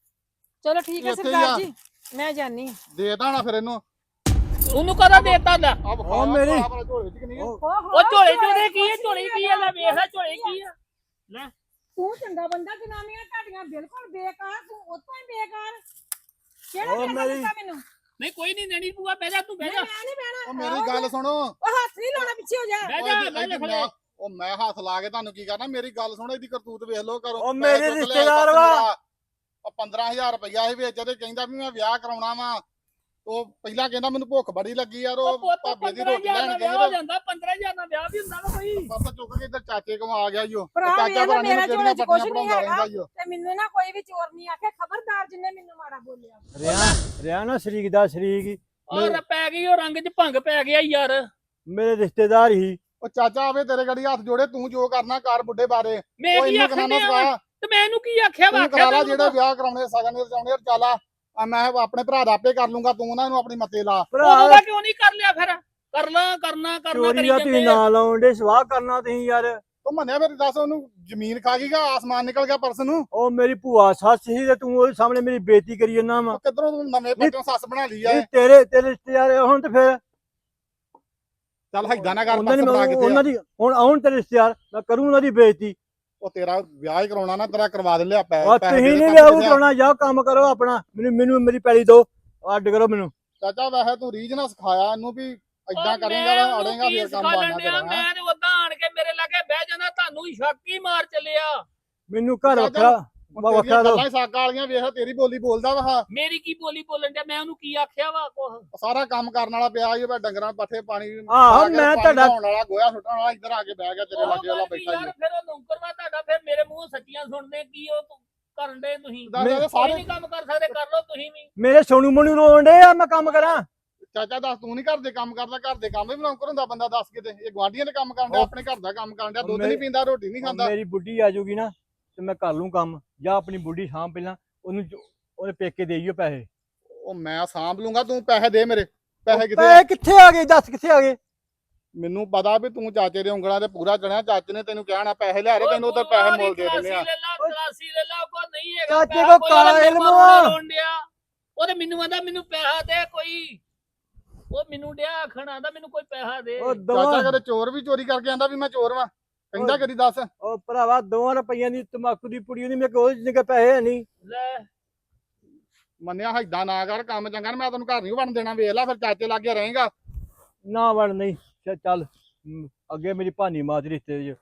S2: ਚਲੋ ਠੀਕ ਹੈ
S8: ਇੱਥੇ ਹੀ
S2: ਸਰਦਾਰ
S8: ਆ।
S2: ਜੀ, ਮੈਂ ਜਾਨੀ।
S8: ਦੇ ਦੇਣਾ ਫਿਰ ਇਹਨੂੰ।
S5: ਉਹਨੂੰ ਕਦਾ ਦੇਤਾ ਦਾ?
S8: ਆ
S6: ਉਹ ਮੇਰੀ-
S8: ਝੋਲੇ ਚ ਕਿ ਨਹੀਂ ਆ?
S6: ਉਹ
S5: ਉਹ ਝੋਲੇ ਝੋਲੇ ਕੀ ਹੈ? ਝੋਲੇ ਕੀ ਹੈ? ਲੈ ਵੇਖ ਲੈ ਝੋਲੇ ਕੀ ਆ। ਲੈ
S2: ਤੂੰ ਚੰਗਾ ਬੰਦਾ, ਜਨਾਨੀਆਂ ਤੁਹਾਡੀਆਂ ਬਿਲਕੁਲ ਬੇਕਾਰ, ਤੂੰ ਉਤੋਂ ਹੀ ਬੇਕਾਰ। ਕਿਹੜਾ
S6: ਉਹ
S2: ਪੈਸਾ
S6: ਮੇਰੀ-
S2: ਦਿੱਤਾ ਮੈਨੂੰ?
S5: ਨਹੀਂ ਕੋਈ ਨਹੀਂ ਨੈਣੀ ਭੂਆ, ਬਹਿ ਜਾ ਤੂੰ, ਬਹਿ ਜਾ
S2: ਮੈਂ ਨਹੀਂ ਬਹਿਣਾ।
S8: ਉਹ ਮੇਰੀ ਗੱਲ ਸੁਣੋ।
S2: ਉਹ ਹੱਥ ਨਹੀਂ ਲਾਉਣਾ, ਪਿੱਛੇ ਹੋ ਜਾ।
S5: ਬਹਿ
S8: ਉਹ
S5: ਜਾ
S8: ਇਹਦੀ-
S5: ਬਹਿ ਜਾ
S8: ਇਹਦੀ
S5: ਖੜੇ।
S8: ਮੈਂ- ਉਹ ਮੈਂ ਹੱਥ ਲਾ ਕੇ ਤੁਹਾਨੂੰ ਕੀ ਕਰਨਾ? ਮੇਰੀ ਗੱਲ ਸੁਣੋ, ਇਹਦੀ ਕਰਤੂਤ ਵੇਖ ਲਓ ਕਰੋ।
S6: ਉਹ ਮੇਰੇ
S8: ਪੈਸੇ ਚੁੱਕ ਲਿਆ
S6: ਰਿਸ਼ਤੇਦਾਰ ਵਾ।
S8: ਮੇਰਾ। ਉਹ ਪੰਦਰਾਂ ਹਜ਼ਾਰ ਰੁਪਇਆ ਸੀ ਵਿੱਚ ਤੇ ਕਹਿੰਦਾ ਵੀ ਮੈਂ ਵਿਆਹ ਕਰਾਉਣਾ ਵਾ। ਉਹ ਪਹਿਲਾਂ ਕਹਿੰਦਾ ਮੈਨੂੰ ਭੁੱਖ ਬੜੀ ਲੱਗੀ ਯਾਰ,
S5: ਉਹ
S8: ਉਹ
S5: ਪੁੱਤ
S8: ਭਾਬੀ ਦੀ
S5: ਪੰਦਰਾਂ
S8: ਰੋਟੀ
S5: ਹਜ਼ਾਰ
S8: ਲੈਣ
S5: ਦਾ
S8: ਗਈ
S5: ਵਿਆਹ ਹੋ ਜਾਂਦਾ, ਪੰਦਰਾਂ ਹਜ਼ਾਰ ਦਾ ਵਿਆਹ ਵੀ ਹੁੰਦਾ ਵਾ ਕੋਈ।
S8: ਪਰਸ ਚੁੱਕ ਕੇ ਇੱਧਰ ਚਾਚੇ ਕੋਲ ਆ ਗਿਆ ਈ ਉਹ।
S2: ਭਰਾ
S8: ਚਾਚਾ
S2: ਵੇਖ ਲੈ,
S8: ਭਰਾ ਨੇ
S2: ਮੇਰਾ
S8: ਕਿਹੜੀਆਂ
S2: ਝੋਲੇ 'ਚ ਕੁਛ
S8: ਪੱਟੀਆਂ
S2: ਨਹੀਂ
S8: ਬਣਾਉਂਦਾ
S2: ਹੈਗਾ।
S8: ਰਹਿੰਦਾ ਈ ਉਹ।
S2: ਤੇ ਮੈਨੂੰ ਨਾ ਕੋਈ ਵੀ ਚੋਰ ਨਹੀਂ ਆਖੇ, ਖਬਰਦਾਰ ਜਿੰਨੇ ਮੈਨੂੰ ਮਾੜਾ ਬੋਲਿਆ।
S6: ਰਿਆ ਰਿਆ ਨਾ ਸ਼ਰੀਕ ਦਾ ਸ਼ਰੀਕ
S5: ਔਰ ਪੈ ਗਈ ਉਹ ਰੰਗ 'ਚ ਭੰਗ ਪੈ ਗਿਆ ਯਾਰ।
S6: ਮੇਰੇ ਰਿਸ਼ਤੇਦਾਰ ਹੀ।
S8: ਉਹ ਚਾਚਾ ਆਵੇ ਤੇਰੇ ਗੜੀ ਹੱਥ ਜੋੜੇ, ਤੂੰ ਜੋ ਕਰਨਾ ਕਰ ਬੁੱਢੇ ਬਾਰੇ।
S5: ਮੈਂ
S8: ਉਹ
S5: ਕੀ
S8: ਇਹਨੂੰ
S5: ਆਖਣ
S8: ਕਰਾਣਾ
S5: ਡਿਆ ਵਾਂ?
S8: ਸਿਖਾ।
S5: ਤੇ ਮੈਂ ਇਹਨੂੰ ਕੀ ਆਖਿਆ ਵਾ?
S8: ਤੂੰ ਕਰਾ ਲਾ
S5: ਆਖਿਆ
S8: ਜਿਹੜੇ ਵਿਆਹ ਕਰਾਉਣੇ ਸਗਨ ਦੇ ਰਚਾਉਣੇ ਚਾਲਾ। ਆ ਮੈਂ ਆਪਣੇ ਭਰਾ ਦਾ ਆਪੇ ਕਰ ਲੂੰਗਾ, ਤੂੰ ਉਹਨਾਂ ਨੂੰ ਆਪਣੀ ਮੱਤੇ ਲਾ।
S5: ਉਹਦਾ
S6: ਭਰਾ
S5: ਕਿਉਂ ਨਹੀਂ ਕਰ ਲਿਆ ਫਿਰ? ਕਰਨਾ ਕਰਨਾ ਕਰਨਾ
S6: ਚੋਰੀ
S5: ਕਰੀ
S6: ਦਾ ਤੁਸੀਂ
S5: ਜਾਂਦੇ ਆ।
S6: ਨਾ ਲਾਉਣ ਦੇ, ਸਵਾਹ ਕਰਨਾ ਤੁਸੀਂ ਯਾਰ।
S8: ਤੂੰ ਮੰਨਿਆ ਫਿਰ ਦੱਸ, ਉਹਨੂੰ ਜ਼ਮੀਨ ਖਾ ਗਈ ਗਾ, ਆਸਮਾਨ ਨਿਕਲ ਗਿਆ ਪਰਸ ਨੂੰ।
S6: ਉਹ ਮੇਰੀ ਭੂਆ ਸੱਸ ਸੀ ਤੇ ਤੂੰ ਉਹਦੇ ਸਾਹਮਣੇ ਮੇਰੀ ਬੇਇੱਜ਼ਤੀ ਕਰੀ ਜਾਂਦਾ ਵਾ।
S8: ਉਹ ਕਿੱਧਰੋਂ ਤੂੰ ਨਵੇਂ ਪੱਟੋਂ ਸੱਸ ਬਣਾ ਲਈ ਆ।
S6: ਤੇਰੇ ਤੇਰੇ ਰਿਸ਼ਤੇਦਾਰ ਹੁਣ ਤੇ ਫਿਰ
S8: ਚੱਲ ਏਦਾਂ ਨਾ ਕਰ
S6: ਉਹਨਾਂ ਨੇ
S8: ਪਰਸ ਫੜਾ
S6: ਮੈਨੂੰ-
S8: ਕਿੱਥੇ
S6: ਉਹਨਾਂ
S8: ਆ?
S6: ਦੀ ਹੁਣ ਆਉਣ ਤੇਰੇ ਰਿਸ਼ਤੇਦਾਰ ਮੈਂ ਕਰੂੰ ਉਹਨਾਂ ਦੀ ਬੇਇੱਜ਼ਤੀ।
S8: ਉਹ ਤੇਰਾ ਵਿਆਹ ਹੀ ਕਰਾਉਣਾ ਨਾ, ਤੇਰਾ ਕਰਵਾ ਦੇ ਲਿਆ ਪੈ
S6: ਆ
S8: ਪੈਸੇ
S6: ਤੁਸੀਂ
S8: ਦੇ
S6: ਨਹੀਂ
S8: ਦੇ
S6: ਲਿਆਓ
S8: ਕਿੱਥੇ ਆ?
S6: ਕਰਾਉਣਾ, ਜਾਓ ਕੰਮ ਕਰੋ ਆਪਣਾ, ਮੈਨੂੰ ਮੈਨੂੰ ਮੇਰੀ ਪੈਲੀ ਦਿਓ, ਅੱਡ ਕਰੋ ਮੈਨੂੰ।
S8: ਚਾਚਾ ਵੈਸੇ ਤੂੰ ਰੀਝ ਨਾ ਸਿਖਾਇਆ ਇਹਨੂੰ ਵੀ ਏਦਾਂ
S5: ਉਹ
S8: ਕਰੇਗਾ
S5: ਮੈਂ
S8: ਤਾਂ
S5: ਉਹਨੂੰ
S8: ਅੜੇਗਾ
S5: ਕੀ
S8: ਫੇਰ ਕੰਮ
S5: ਸਿਖਾਲਣ
S8: ਬਣਨਾ
S5: ਡਿਆ?
S8: ਤੇਰਾ।
S5: ਮੈਂ ਤੇ ਉਦਾਂ ਆਣ ਕੇ ਮੇਰੇ ਲਾਗੇ ਬਹਿ ਜਾਂਦਾ, ਤੁਹਾਨੂੰ ਹੀ ਸ਼ੱਕ ਹੀ ਮਾਰ ਚੱਲਿਆ।
S6: ਮੈਨੂੰ ਘਰ
S8: ਚਾਚਾ,
S6: ਵੱਖਰਾ
S8: ਹੁਣ
S6: ਵੱਖਰਾ
S8: ਤੇਰੀਆਂ
S6: ਦਿਓ।
S8: ਗੱਲਾਂ ਹੀ ਸਾਗਾ ਵਾਲੀਆਂ ਵੇਖ, ਤੇਰੀ ਬੋਲੀ ਬੋਲਦਾ ਵਾ।
S5: ਮੇਰੀ ਕੀ ਬੋਲੀ ਬੋਲਣ ਡਿਆ? ਮੈਂ ਉਹਨੂੰ ਕੀ ਆਖਿਆ ਵਾ ਕੁਛ?
S8: ਸਾਰਾ ਕੰਮ ਕਰਨ ਵਾਲਾ ਪਿਆ ਈ ਓ, ਡੰਗਰਾਂ ਨੂੰ ਪੱਠੇ ਪਾਣੀ
S6: ਆਹੋ,
S8: ਪਾ ਕੇ,
S6: ਮੈਂ
S8: ਪਾਣੀ
S6: ਤੁਹਾਡਾ-
S8: ਧਾਉਣ ਵਾਲਾ, ਗੋਹਾ ਸੁੱਟਣ ਵਾਲਾ ਇੱਧਰ ਆ ਕੇ ਬਹਿ ਗਿਆ ਤੇਰੇ
S5: ਉਹ
S8: ਲਾਗੇ ਵਾਲਾ
S5: ਗੱਲ ਵੀ
S8: ਬੈਠਾ
S5: ਯਾਰ
S8: ਹੀ।
S5: ਫਿਰ ਉਹ ਨੌਕਰ ਵਾ ਤੁਹਾਡਾ, ਫਿਰ ਮੇਰੇ ਮੂੰਹੋਂ ਸੱਚੀਆਂ ਸੁਣਦੇ ਕੀ ਉਹ ਤੂੰ ਕਰਨ ਦੇ ਤੁਸੀਂ?
S8: ਦੱਸ ਇਹਦੇ
S5: ਕੋਈ
S8: ਸਾਰੇ
S5: ਨਹੀਂ ਕੰਮ ਕਰ ਸਕਦੇ, ਕਰ ਲਓ ਤੁਸੀਂ ਵੀ।
S6: ਮੇਰੇ ਸੋਨੂ ਮੋਨੂ ਰੋਣ ਡੇ ਆ, ਮੈਂ ਕੰਮ ਕਰਾਂ।
S8: ਚਾਚਾ ਦੱਸ, ਤੂੰ ਨਹੀਂ ਘਰ ਦੇ ਕੰਮ ਕਰਦਾ? ਘਰ ਦੇ ਕੰਮ ਵੀ ਨੌਕਰ ਹੁੰਦਾ ਬੰਦਾ, ਦੱਸ ਕਿਤੇ। ਇਹ ਗੁਆਂਢੀਆਂ ਦੇ ਕੰਮ ਕਰਨ ਡਿਆ,
S6: ਉਹ-
S8: ਆਪਣੇ ਘਰ ਦਾ ਕੰਮ ਕਰਨ ਡਿਆ, ਦੁੱਧ
S6: ਮੇਰੀ-
S8: ਨਹੀਂ ਪੀਂਦਾ, ਰੋਟੀ ਨਹੀਂ ਖਾਂਦਾ।
S6: ਮੇਰੀ ਬੁੱਢੀ ਆ ਜਾਊਗੀ ਨਾ ਤੇ ਮੈਂ ਕਰ ਲੂੰ ਕੰਮ, ਜਾਂ ਆਪਣੀ ਬੁੱਢੀ ਸਾਂਭ ਪਹਿਲਾਂ, ਉਹਨੂੰ ਜੋ- ਉਹਦੇ ਪੇਕੇ ਦੇਈਓ ਪੈਸੇ।
S8: ਉਹ ਮੈਂ ਸਾਂਭ ਲੂੰਗਾ, ਤੂੰ ਪੈਸੇ ਦੇ ਮੇਰੇ। ਪੈਸੇ ਕਿੱਥੇ ਆ?
S6: ਪੈਸੇ ਕਿੱਥੇ ਆ ਗਏ, ਦੱਸ ਕਿੱਥੇ ਆ ਗਏ?
S8: ਮੈਨੂੰ ਪਤਾ ਵੀ ਤੂੰ ਚਾਚੇ ਦੇ ਉਂਗਲਾਂ ਤੇ ਪੂਰਾ ਚੜਿਆ, ਚਾਚੇ ਨੇ ਤੈਨੂੰ ਕਹਿਣਾ ਪੈਸੇ ਲਿਆ ਰੇ,
S5: ਉਹ
S8: ਤੈਨੂੰ ਉਧਰ
S5: ਤੂੰ
S8: ਪੈਸੇ
S5: ਉਹਦੀ
S8: ਮੁੱਲ ਦੇ ਦਿੰਦੇ ਆ।
S5: ਤਲਾਸ਼ੀ ਲੈ ਲਾ,
S6: ਓਏ।
S5: ਤਲਾਸ਼ੀ ਲੈ ਲਾ, ਕੋਈ ਨਹੀਂ ਹੈਗਾ
S6: ਚਾਚੇ
S5: ਪੈਸਾ,
S6: ਕੋ
S5: ਕੋਈ
S6: ਕਾਲਾ
S5: ਉਹਦੇ
S6: ਇਲਮ
S5: ਮਗਰ
S6: ਆ।
S5: ਰੋਣ ਡਿਆ। ਉਹਦੇ ਮੈਨੂੰ ਆਂਦਾ ਮੈਨੂੰ ਪੈਸਾ ਦੇ ਕੋਈ। ਉਹ ਮੈਨੂੰ ਡਿਆ ਆਖਣ, ਆਂਦਾ ਮੈਨੂੰ ਕੋਈ ਪੈਸਾ ਦੇ।
S6: ਉਹ
S8: ਚਾਚਾ
S6: ਦੋਵਾਂ
S8: ਕਦੇ ਚੋਰ ਵੀ ਚੋਰੀ ਕਰਕੇ ਆਂਦਾ ਵੀ ਮੈਂ ਚੋਰ ਵਾਂ, ਕਹਿੰਦਾ
S6: ਓਏ।
S8: ਕਦੀ ਦੱਸ।
S6: ਉਹ ਭਰਾਵਾ ਦੋਵਾਂ ਰੁਪਈਆਂ ਦੀ ਤਮਾਕੂ ਦੀ ਪੁੜੀ ਉਹਦੀ ਮੇਰੇ ਕੋਲ ਜਿੰਨੇ ਪੈਸੇ ਹੈ ਨਹੀਂ।
S5: ਲੈ
S8: ਮੰਨਿਆ ਏਦਾਂ ਨਾ ਕਰ, ਕੰਮ ਚੰਗਾ ਨਾ, ਮੈਂ ਤੈਨੂੰ ਘਰ ਨਹੀਂ ਵੜਨ ਦੇਣਾ। ਵੇਖ ਲੈ ਫਿਰ ਚਾਚੇ ਲਾਗੇ ਰਹੇਗਾ।
S6: ਨਾ ਵੜ ਨਹੀਂ ਚੱਲ- ਚੱਲ ਹਮ, ਅੱਗੇ ਮੇਰੀ ਭਾਨੀ ਮਾਂ ਦੇ ਰਿਸ਼ਤੇ ਚ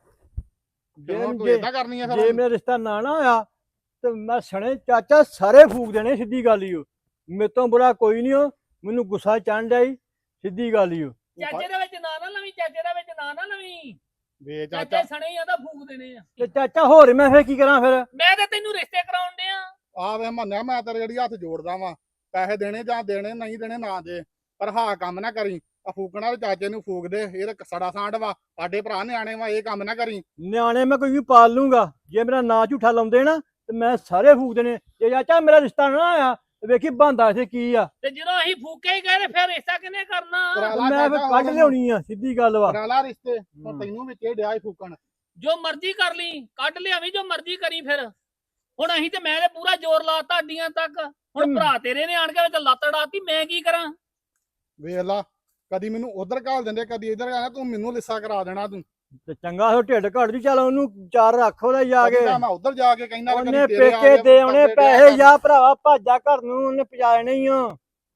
S8: ਤੇ ਹੁਣ ਤੂੰ
S6: ਜੇ
S8: ਏਦਾਂ ਕਰਨੀ ਆ
S6: ਜੇ
S8: ਫਿਰ?
S6: ਮੇਰਾ ਰਿਸ਼ਤਾ ਨਾ ਨਾ ਹੋਇਆ ਤੇ ਮੈਂ ਸਣੇ ਚਾਚਾ ਸਾਰੇ ਫੂਕ ਦੇਣੇ, ਸਿੱਧੀ ਗੱਲ ਹੀ ਓ। ਮੇਰੇ ਤੋਂ ਬੁਰਾ ਕੋਈ ਨਹੀਂ ਹੋ, ਮੈਨੂੰ ਗੁੱਸਾ ਚੜ੍ਹ ਜਾਈ, ਸਿੱਧੀ ਗੱਲ ਹੀ ਓ।
S5: ਚਾਚੇ ਦੇ ਵਿੱਚ ਨਾ ਨਾ ਲਵੀਂ, ਚਾਚੇ ਦੇ ਵਿੱਚ ਨਾ ਨਾ ਲਵੀਂ।
S8: ਵੇ ਚਾਚਾ,
S5: ਚਾਚੇ ਸਣੇ ਹੀ ਆਂਦਾ ਫੂਕ ਦੇਣੇ ਆ।
S6: ਤੇ ਚਾਚਾ ਹੋਰ ਮੈਂ ਫੇਰ ਕੀ ਕਰਾਂ ਫਿਰ?
S5: ਮੈਂ ਤੇ ਤੈਨੂੰ ਰਿਸ਼ਤੇ ਕਰਾਉਣ ਡਿਆ।
S8: ਆ ਵੇ ਮੰਨਿਆ, ਮੈਂ ਤੇਰੇ ਜਿਹੜੀ ਹੱਥ ਜੋੜਦਾ ਵਾਂ, ਪੈਸੇ ਦੇਣੇ ਜਾਂ ਦੇਣੇ, ਨਹੀਂ ਦੇਣੇ ਨਾ ਦੇ, ਪਰ ਹਾਂ ਕੰਮ ਨਾ ਕਰੀ। ਆ ਫੂਕਣਾ ਤੇ ਚਾਚੇ ਨੂੰ ਫੂਕ ਦੇ, ਇਹ ਤਾਂ ਸੜਾ ਸਾਂਢ ਵਾ, ਸਾਡੇ ਭਰਾ ਨਿਆਣੇ ਵਾ, ਇਹ ਕੰਮ ਨਾ ਕਰੀ।
S6: ਨਿਆਣੇ ਮੈਂ ਕੋਈ ਵੀ ਪਾਲ ਲੂੰਗਾ, ਜੇ ਮੇਰਾ ਨਾਂ ਝੂਠਾ ਲਾਉਂਦੇ ਨਾ ਤੇ ਮੈਂ ਸਾਰੇ ਫੂਕ ਦੇਣੇ। ਜੇ ਚਾਚਾ ਮੇਰਾ ਰਿਸ਼ਤਾ ਨਾ ਆਇਆ ਤੇ ਵੇਖੀ ਬੰਦਾ ਇੱਥੇ ਕੀ ਆ,
S5: ਤੇ ਜਦੋਂ ਅਸੀਂ ਫੂਕੇ ਹੀ ਗਏ ਤੇ ਫਿਰ ਰਿਸ਼ਤਾ ਕਿਹਨੇ ਕਰਨਾ?
S8: ਕਰਾ
S6: ਤੇ
S8: ਲਾ
S6: ਮੈਂ ਫਿਰ
S8: ਚਾਚਾ,
S6: ਕੱਢ
S8: ਹੁਣ
S6: ਲਿਆਉਣੀ ਆ, ਸਿੱਧੀ ਗੱਲ ਵਾ।
S8: ਕਰਾ ਲਾ ਰਿਸ਼ਤੇ,
S6: ਹੂੰ।
S8: ਹੁਣ ਤੈਨੂੰ ਵਿੱਚ ਇਹ ਡਿਆ ਈ ਫੂਕਣ।
S5: ਜੋ ਮਰਜ਼ੀ ਕਰ ਲਈ, ਕੱਢ ਲਿਆਵੀਂ, ਜੋ ਮਰਜ਼ੀ ਕਰੀ ਫਿਰ। ਹੁਣ ਅਸੀਂ ਤੇ ਮੈਂ ਤੇ ਪੂਰਾ ਜ਼ੋਰ ਲਾਤਾ ਅੱਡੀਆਂ ਤੱਕ। ਹੁਣ
S6: ਤੇ-
S5: ਭਰਾ ਤੇਰੇ ਨੇ ਆਣ ਕੇ ਵਿੱਚ ਲੱਤ ਡਾਤੀ, ਮੈਂ ਕੀ ਕਰਾਂ?
S8: ਵੇਖ ਲਾ, ਕਦੀ ਮੈਨੂੰ ਉਧਰ ਘਾਲ ਦਿੰਦੇ, ਕਦੀ ਇੱਧਰ ਘਾਲ, ਤੂੰ ਮੈਨੂੰ ਲਿੱਸਾ ਕਰਾ ਦੇਣਾ ਤੂੰ।
S6: ਤੇ ਚੰਗਾ ਹੋ ਢਿੱਡ ਘੜ ਦੀ, ਚੱਲ ਉਹਨੂੰ ਚਾਰ ਰੱਖ ਉਹਦਾ ਜਾ ਕੇ,
S8: ਕਦੀ ਤਾਂ ਮੈਂ ਉਧਰ ਜਾ ਕੇ ਕਹਿੰਦਾ ਵੀ
S6: ਉਹਨੇ
S8: ਕਦੀ ਤੇਰੇ ਆ
S6: ਪੇਕੇ
S8: ਗਏ,
S6: ਦੇ ਆਉਣੇ
S8: ਤੇਰੇ
S6: ਪੈਸੇ,
S8: ਆ
S6: ਜਾ ਭਰਾਵਾ ਭਾਜਾ ਘਰ ਨੂੰ, ਉਹਨੇ ਪਜਾਣੇ ਹੀ ਆ।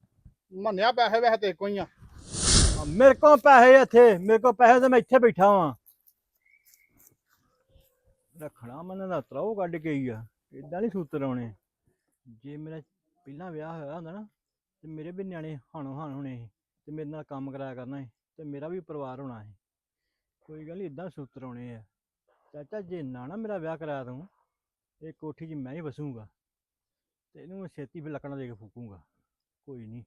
S8: ਮੰਨਿਆ ਪੈਸੇ ਵੈਸੇ ਤੇ ਕੋਈ ਆ।
S6: ਮੇਰੇ ਕੋਲ ਪੈਸੇ ਇੱਥੇ, ਮੇਰੇ ਕੋਲ ਪੈਸੇ ਤੇ ਮੈਂ ਇੱਥੇ ਬੈਠਾ ਵਾਂ। ਰੱਖਣਾ ਮਨ ਦਾ ਤਰਾਉ ਕੱਢ ਕੇ ਹੀ ਆ, ਇਦਾਂ ਨਹੀਂ ਸੂਤਰ ਆਉਣੇ। ਜੇ ਮੇਰਾ ਪਹਿਲਾਂ ਵਿਆਹ ਹੋਇਆ ਹੁੰਦਾ ਨਾ ਤੇ ਮੇਰੇ ਵੀ ਨਿਆਣੇ ਹਾਣੋ ਹਾਣ ਹੋਣੇ ਸੀ, ਤੇ ਮੇਰੇ ਨਾਲ ਕੰਮ ਕਰਾਇਆ ਕਰਨਾ ਸੀ, ਤੇ ਮੇਰਾ ਵੀ ਪਰਿਵਾਰ ਹੋਣਾ ਸੀ। ਕੋਈ ਗੱਲ ਨਹੀਂ, ਇਦਾਂ ਸੂਤਰ ਆਉਣੇ ਆ। ਚਾਚਾ ਜੇ ਨਾ ਨਾ ਮੇਰਾ ਵਿਆਹ ਕਰਾਇਆ ਤੂੰ, ਇਹ ਕੋਠੀ 'ਚ ਮੈਂ ਹੀ ਵਸੂੰਗਾ, ਤੇ ਇਹਨੂੰ ਮੈਂ ਛੇਤੀ ਫਿਰ ਲੱਕੜਾਂ ਦੇ ਕੇ ਫੂਕੂੰਗਾ। ਕੋਈ ਨਹੀਂ।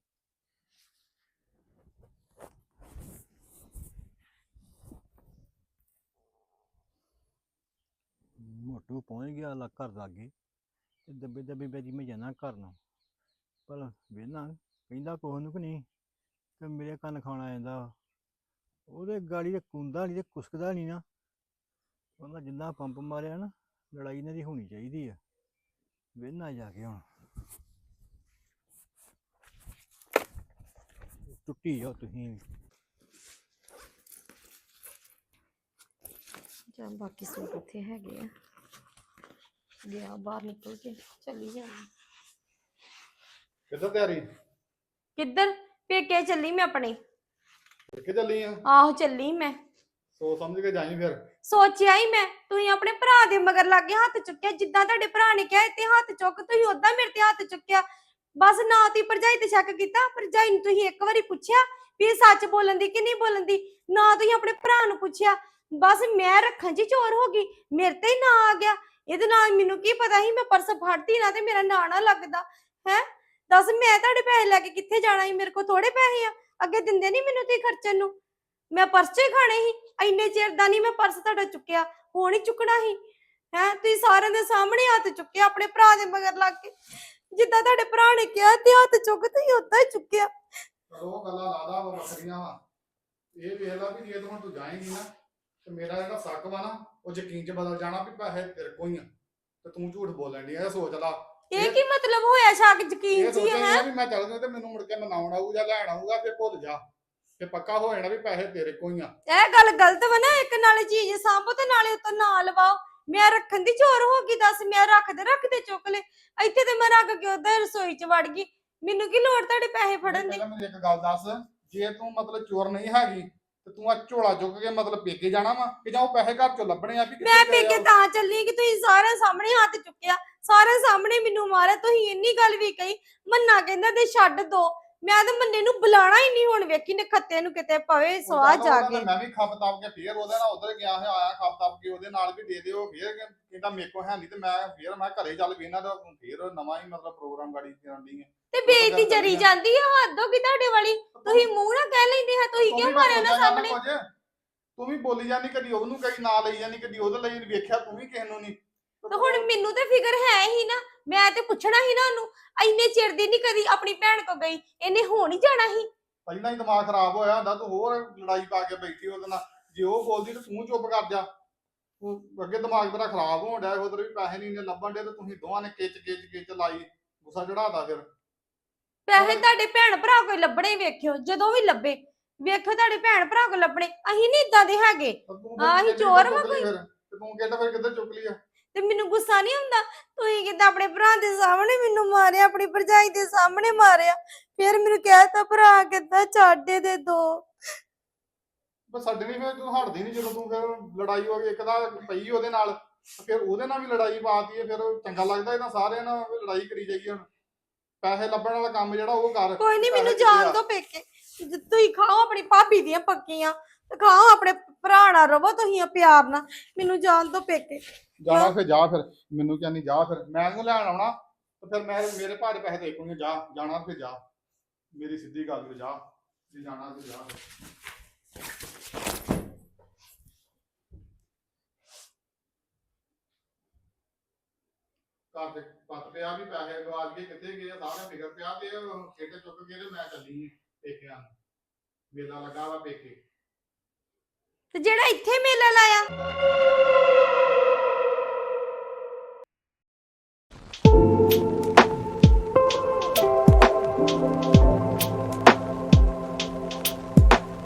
S6: ਮੋਟੂ ਪਹੁੰਚ ਗਿਆ ਲਾ ਘਰ ਲਾਗੇ, ਤੇ ਦੱਬੇ ਦੱਬੇ ਬੈਜੀ ਮੈਂ ਜਾਣਾ ਘਰ ਨੂੰ। ਪਰ ਵੇਖਣਾ ਕਹਿੰਦਾ ਕੁਛ ਨੂੰ ਕਿ ਨਹੀਂ, ਤੇ ਮੇਰੇ ਕੰਨ ਖਾਣਾ ਜਾਂਦਾ। ਉਹਦੇ ਗਾੜੀ ਤੇ ਕੁੰਦਾ ਨਹੀਂ ਤੇ ਕੁਸਕਦਾ ਨਹੀਂ ਨਾ, ਉਹਦਾ ਜਿੰਨਾ ਪੰਪ ਮਾਰਿਆ ਨਾ, ਲੜਾਈ ਇਹਨਾਂ ਦੀ ਹੋਣੀ ਚਾਹੀਦੀ ਆ। ਵੇਖਣਾ ਜਾ ਕੇ ਹੁਣ ਟੁੱਟੀ ਜਾਓ ਤੁਸੀਂ ਵੀ।
S4: ਜਾਂ ਬਾਕੀ ਸੂਟ ਉੱਥੇ ਹੈਗੇ ਆ, ਗਿਆ ਬਾਹਰ ਨਿਕਲ ਕੇ ਚੱਲੀ ਜਾਣਾ।
S8: ਕਿੱਧਰ ਤਿਆਰੀ?
S4: ਕਿੱਧਰ? ਪੇਕੇ ਚੱਲੀ ਮੈਂ ਆਪਣੇ।
S8: ਕਿੱਥੇ ਚੱਲੀ ਆ?
S4: ਆਹੋ ਚੱਲੀ ਮੈਂ।
S8: ਸੋਚ ਸਮਝ ਕੇ ਜਾਈ ਫਿਰ।
S4: ਸੋਚਿਆ ਹੀ ਮੈਂ, ਤੁਸੀਂ ਆਪਣੇ ਭਰਾ ਦੇ ਮਗਰ ਲੱਗੇ ਹੱਥ ਚੁੱਕਿਆ, ਜਿੱਦਾਂ ਤੁਹਾਡੇ ਭਰਾ ਨੇ ਕਿਹਾ ਤੇ ਹੱਥ ਚੁੱਕ, ਤੁਸੀਂ ਉਦਾਂ ਮੇਰੇ ਤੇ ਹੱਥ ਚੁੱਕਿਆ। ਬਸ ਨਾ ਤੁਸੀਂ ਭਰਜਾਈ ਤੇ ਸ਼ੱਕ ਕੀਤਾ, ਭਰਜਾਈ ਨੂੰ ਤੁਸੀਂ ਇੱਕ ਵਾਰੀ ਪੁੱਛਿਆ ਵੀ ਇਹ ਸੱਚ ਬੋਲਣ ਦੀ ਕਿ ਨਹੀਂ ਬੋਲਣ ਦੀ, ਨਾ ਤੁਸੀਂ ਆਪਣੇ ਭਰਾ ਨੂੰ ਪੁੱਛਿਆ। ਬਸ ਮੈਂ ਰੱਖਣ 'ਚ ਹੀ ਚੋਰ ਹੋ ਗਈ, ਮੇਰੇ ਤੇ ਹੀ ਨਾ ਆ ਗਿਆ। ਇਹਦੇ ਨਾਲ ਮੈਨੂੰ ਕੀ ਪਤਾ ਸੀ ਮੈਂ ਪਰਸ ਫੜਦੀ ਨਾ ਤੇ ਮੇਰਾ ਨਾਂ ਨਾ ਲੱਗਦਾ ਹੈ। ਦੱਸ ਮੈਂ ਤੁਹਾਡੇ ਪੈਸੇ ਲੈ ਕੇ ਕਿੱਥੇ ਜਾਣਾ ਸੀ? ਮੇਰੇ ਕੋਲ ਥੋੜੇ ਪੈਸੇ ਆ, ਅੱਗੇ ਦਿੰਦੇ ਨਹੀਂ ਮੈਨੂੰ ਤੁਸੀਂ ਖਰਚਣ ਨੂੰ। ਮੈਂ ਪਰਸ 'ਚ ਹੀ ਖਾਣੇ ਸੀ, ਇੰਨੇ ਚਿਰ ਦਾ ਨਹੀਂ ਮੈਂ ਪਰਸ ਤੁਹਾਡਾ ਚੁੱਕਿਆ, ਹੁਣ ਹੀ ਚੁੱਕਣਾ ਸੀ ਹੈ। ਤੁਸੀਂ ਸਾਰਿਆਂ ਦੇ ਸਾਹਮਣੇ ਹੱਥ ਚੁੱਕਿਆ, ਆਪਣੇ ਭਰਾ ਦੇ ਮਗਰ ਲੱਗ ਕੇ, ਜਿੱਦਾਂ ਤੁਹਾਡੇ ਭਰਾ ਨੇ ਕਿਹਾ ਤੇ ਹੱਥ ਚੁੱਕ ਤੁਸੀਂ ਉਦਾਂ ਹੀ ਚੁੱਕਿਆ।
S8: ਉਹ ਗੱਲਾਂ ਲਾਦਾ ਵਾ ਵੱਖਰੀਆਂ ਵਾ। ਇਹ ਵੇਖ ਲਾ ਵੀ ਜੇ ਤੂੰ ਹੁਣ ਤੂੰ ਜਾਏਂਗੀ ਨਾ ਤੇ ਮੇਰਾ ਜਿਹੜਾ ਸ਼ੱਕ ਵਾ ਨਾ ਉਹ ਯਕੀਨ 'ਚ ਬਦਲ ਜਾਣਾ ਵੀ ਪੈਸੇ ਤੇਰੇ ਕੋਲ ਹੀ ਆ, ਤੇ ਤੂੰ ਝੂਠ ਬੋਲਣ ਦੀ। ਇਹ ਸੋਚ ਲਾ,
S4: ਇਹ ਕੀ ਮਤਲਬ ਹੋਇਆ ਸ਼ੱਕ ਯਕੀਨ
S8: ਇਹ
S4: ਜੀ
S8: ਸੋਚਿਆ
S4: ਹੈ?
S8: ਵੀ ਮੈਂ ਚੱਲ ਗਿਆ ਤੇ ਮੈਨੂੰ ਮੁੜ ਕੇ ਮਨਾਉਣ ਆਊ ਜਾਂ ਲੈਣ ਆਊਗਾ, ਫਿਰ ਭੁੱਲ ਜਾ। ਤੇ ਪੱਕਾ ਹੋ ਜਾਣਾ ਵੀ ਪੈਸੇ ਤੇਰੇ ਕੋਲ ਹੀ ਆ।
S4: ਇਹ ਗੱਲ ਗਲਤ ਵਾ ਨਾ, ਇੱਕ ਨਾਲੇ ਚੀਜ਼ ਸਾਂਭੋ ਤੇ ਨਾਲੇ ਉਤੋਂ ਨਾ ਲਵਾਓ। ਮੈਂ ਰੱਖਣ ਦੀ ਚੋਰ ਹੋ ਗਈ ਦੱਸ, ਮੈਂ ਰੱਖਦੇ ਰੱਖਦੇ ਚੁੱਕ ਲੈ, ਇੱਥੇ ਤੇ ਮੈਂ ਰੱਖ ਕੇ ਉਧਰ ਰਸੋਈ ਚ ਵੜ ਗਈ, ਮੈਨੂੰ ਕੀ ਲੋੜ ਤੁਹਾਡੇ ਪੈਸੇ ਫੜਨ ਦੀ।
S8: ਪਹਿਲਾਂ ਮੈਨੂੰ ਇੱਕ ਗੱਲ ਦੱਸ, ਜੇ ਤੂੰ ਮਤਲਬ ਚੋਰ ਨਹੀਂ ਹੈਗੀ ਤੇ ਤੂੰ ਆ ਝੋਲਾ ਚੁੱਕ ਕੇ ਮਤਲਬ ਪੇਕੇ ਜਾਣਾ ਵਾ ਕਿ ਜਾਂ ਉਹ ਪੈਸੇ ਘਰ ਚੋਂ ਲੱਭਣੇ ਆ ਵੀ ਕਿੱਥੇ
S4: ਮੈਂ
S8: ਗਏ ਆ
S4: ਪੇਕੇ
S8: ਉਹ?
S4: ਤਾਂ ਚੱਲੀ ਕਿ ਤੁਸੀਂ ਸਾਰਿਆਂ ਸਾਹਮਣੇ ਹੱਥ ਚੁੱਕਿਆ, ਸਾਰਿਆਂ ਸਾਹਮਣੇ ਮੈਨੂੰ ਮਾਰਿਆ, ਤੁਸੀਂ ਇੰਨੀ ਗੱਲ ਵੀ ਕਹੀ। ਮੰਨਾ ਕਹਿੰਦਾ ਤੇ ਛੱਡ ਦੋ, ਮੈਂ ਤਾਂ ਮੰਨੇ ਨੂੰ ਬੁਲਾਣਾ ਹੀ ਨਹੀਂ ਹੁਣ, ਵੇਖੀ ਨੇ ਖੱਤੇ ਨੂੰ ਕਿਤੇ ਪਵੇ
S8: ਉਹ
S4: ਸਵਾਹ
S8: ਚੱਲ
S4: ਜਾ
S8: ਉਹਦਾ
S4: ਕੇ।
S8: ਮੈਂ ਵੀ ਖੱਪ ਤਾਪ ਕੇ ਫੇਰ ਉਹਦੇ ਨਾਲ ਉਧਰ ਗਿਆ ਹੈ, ਆਇਆ ਖੱਪ ਤਾਪ ਕੇ ਉਹਦੇ ਨਾਲ ਵੀ ਦੇ ਦਿਓ, ਫੇਰ ਕਹਿੰਦਾ ਮੇਰੇ ਕੋਲ ਹੈ ਨਹੀਂ ਤੇ ਮੈਂ ਫੇਰ ਮੈਂ ਘਰੇ ਚੱਲ ਵੀ ਇਹਨਾਂ ਦਾ ਫੇਰ ਨਵਾਂ ਹੀ ਮਤਲਬ ਪ੍ਰੋਗਰਾਮ ਗਾੜੀ ਕਰਨ ਦੀ ਹੈ।
S4: ਤੇ ਬੇਇੱਜ਼ਤੀ ਜਰੀ ਜਾਂਦੀ ਆ, ਹੱਦ ਹੋ ਗਈ ਤੁਹਾਡੇ ਵਾਲੀ। ਤੁਸੀਂ ਮੂੰਹ ਨਾ ਕਹਿ ਲੈਂਦੇ ਹਾਂ, ਤੁਸੀਂ ਕਿਉਂ ਮਾਰਿਆ ਉਹਨਾਂ ਸਾਹਮਣੇ?
S8: ਤੂੰ ਵੀ ਬੋਲੀ ਜਾਂਦੀ, ਕਦੀ ਉਹਨੂੰ ਕਈ ਨਾਂ ਲਈ ਜਾਂਦੀ, ਕਦੀ ਉਹਦੇ ਲਈ ਵੇਖਿਆ ਤੂੰ ਵੀ ਕਿਸੇ ਨੂੰ ਨਹੀਂ।
S4: ਤੇ ਹੁਣ ਮੈਨੂੰ ਤੇ ਫਿਕਰ ਹੈ ਹੀ ਨਾ, ਮੈਂ ਤੇ ਪੁੱਛਣਾ ਹੀ ਨਾ ਉਹਨੂੰ, ਇੰਨੇ ਚਿਰ ਦੀ ਨਹੀਂ ਕਦੀ ਆਪਣੀ ਭੈਣ ਕੋ ਗਈ, ਇਹਨੇ ਹੁਣ ਹੀ ਜਾਣਾ ਸੀ।
S8: ਪਹਿਲਾਂ ਹੀ ਦਿਮਾਗ ਖਰਾਬ ਹੋਇਆ ਹੁੰਦਾ, ਤੂੰ ਹੋਰ ਲੜਾਈ ਪਾ ਕੇ ਬੈਠੀ ਉਹਦੇ ਨਾਲ। ਜੇ ਉਹ ਬੋਲਦੀ ਤੇ ਤੂੰ ਚੁੱਪ ਕਰ ਜਾ। ਤੂੰ ਅੱਗੇ ਦਿਮਾਗ ਤੇਰਾ ਖਰਾਬ ਹੋਣ ਡਿਆ, ਉਧਰ ਵੀ ਪੈਸੇ ਨਹੀਂ ਲੱਭਣ ਡੇ ਤੇ ਤੁਸੀਂ ਦੋਵਾਂ ਨੇ ਕਿਚ ਕਿਚ ਕਿਚ ਲਾਈ, ਗੁੱਸਾ ਚੜਾਦਾ ਫਿਰ।
S4: ਪੈਸੇ ਤੁਹਾਡੇ ਭੈਣ ਭਰਾ ਕੋਈ ਲੱਭਣੇ ਵੇਖਿਓ, ਜਦੋਂ ਵੀ ਲੱਭੇ ਵੇਖਿਓ ਤੁਹਾਡੇ ਭੈਣ ਭਰਾ ਕੋ ਲੱਭਣੇ, ਅਸੀਂ ਨਹੀਂ ਇਦਾਂ ਦੇ ਹੈਗੇ।
S8: ਤੂੰ
S4: ਆਹ
S8: ਫਿਰ
S4: ਹੀ ਚੋਰ ਵਾ
S8: ਚੁੱਕ ਲਈ ਫਿਰ, ਤੇ ਤੂੰ ਕਿੱਦਾਂ ਫਿਰ ਕਿੱਧਰ ਚੁੱਕ ਲਈ ਆ?
S4: ਤੇ ਮੈਨੂੰ ਗੁੱਸਾ ਨਹੀਂ ਹੁੰਦਾ, ਤੁਸੀਂ ਕਿੱਦਾਂ ਆਪਣੇ ਭਰਾ ਦੇ ਸਾਹਮਣੇ ਮੈਨੂੰ ਮਾਰਿਆ, ਆਪਣੀ ਭਰਜਾਈ ਦੇ ਸਾਹਮਣੇ ਮਾਰਿਆ, ਫਿਰ ਮੈਨੂੰ ਕਹਿਤਾ ਭਰਾ ਕਿੱਦਾਂ ਛੱਡੇ ਦੇ ਦੋ।
S8: ਬਸ ਸਾਡੇ ਨਹੀਂ ਫਿਰ ਤੂੰ ਹਟਦੀ ਨਹੀਂ, ਜਦੋਂ ਤੂੰ ਫਿਰ ਲੜਾਈ ਹੋ ਗਈ ਇੱਕ ਦਾ ਪਈ ਉਹਦੇ ਨਾਲ, ਫਿਰ ਉਹਦੇ ਨਾਲ ਵੀ ਲੜਾਈ ਪਾਤੀ ਹੈ। ਫਿਰ ਚੰਗਾ ਲੱਗਦਾ ਇਹਨਾਂ ਸਾਰਿਆਂ ਨਾਲ ਵੀ ਲੜਾਈ ਕਰੀ ਜਾਈਏ। ਹੁਣ ਪੈਸੇ ਲੱਭਣ ਵਾਲਾ ਕੰਮ ਜਿਹੜਾ ਉਹ ਕਰ।
S4: ਕੋਈ ਨਹੀਂ, ਮੈਨੂੰ
S8: ਪੈਸੇ ਕਿੱਥੇ
S4: ਜਾਣ
S8: ਆ?
S4: ਦੋ ਪੇਕੇ, ਤੁਸੀਂ ਖਾਓ ਆਪਣੀ ਭਾਬੀ ਦੀਆਂ ਪੱਕੀਆਂ, ਤੇ ਖਾਓ ਆਪਣੇ ਭਰਾ ਨਾਲ ਰਵੋ ਤੁਸੀਂ ਪਿਆਰ ਨਾਲ, ਮੈਨੂੰ ਜਾਣ ਦੋ ਪੇਕੇ।
S8: ਜਾਣਾ ਫਿਰ ਜਾ, ਫਿਰ ਮੈਨੂੰ ਕਹਿੰਦੀ ਜਾ, ਫਿਰ ਮੈਂ ਇਹਨੂੰ ਲੈਣ ਆਉਣਾ ਤੇ ਫਿਰ ਮੈਂ ਮੇਰੇ ਭਾਅ ਦੇ ਪੈਸੇ ਦੇਖੂੰਗੇ। ਜਾ ਜਾਣਾ ਫਿਰ ਜਾ, ਮੇਰੀ ਸਿੱਧੀ ਗੱਲ ਤੇ ਜਾ, ਜੇ ਜਾਣਾ ਤੇ ਜਾ। ਘਰ ਦੇ ਪੱਤ ਪਿਆ ਵੀ ਪੈਸੇ ਗਵਾਚ ਗਏ, ਕਿੱਥੇ ਗਏ ਆ, ਸਾਰਾ ਫਿਕਰ ਪਿਆ ਤੇ ਖੇਤੇ ਚੁੱਕ ਕੇ ਤੇ ਮੈਂ ਚੱਲੀ ਪੇਕਿਆਂ ਨੂੰ। ਮੇਲਾ ਲੱਗਾ ਵਾ ਪੇਕੇ।
S4: ਤੇ ਜਿਹੜਾ ਇੱਥੇ ਮੇਲਾ ਲਾਇਆ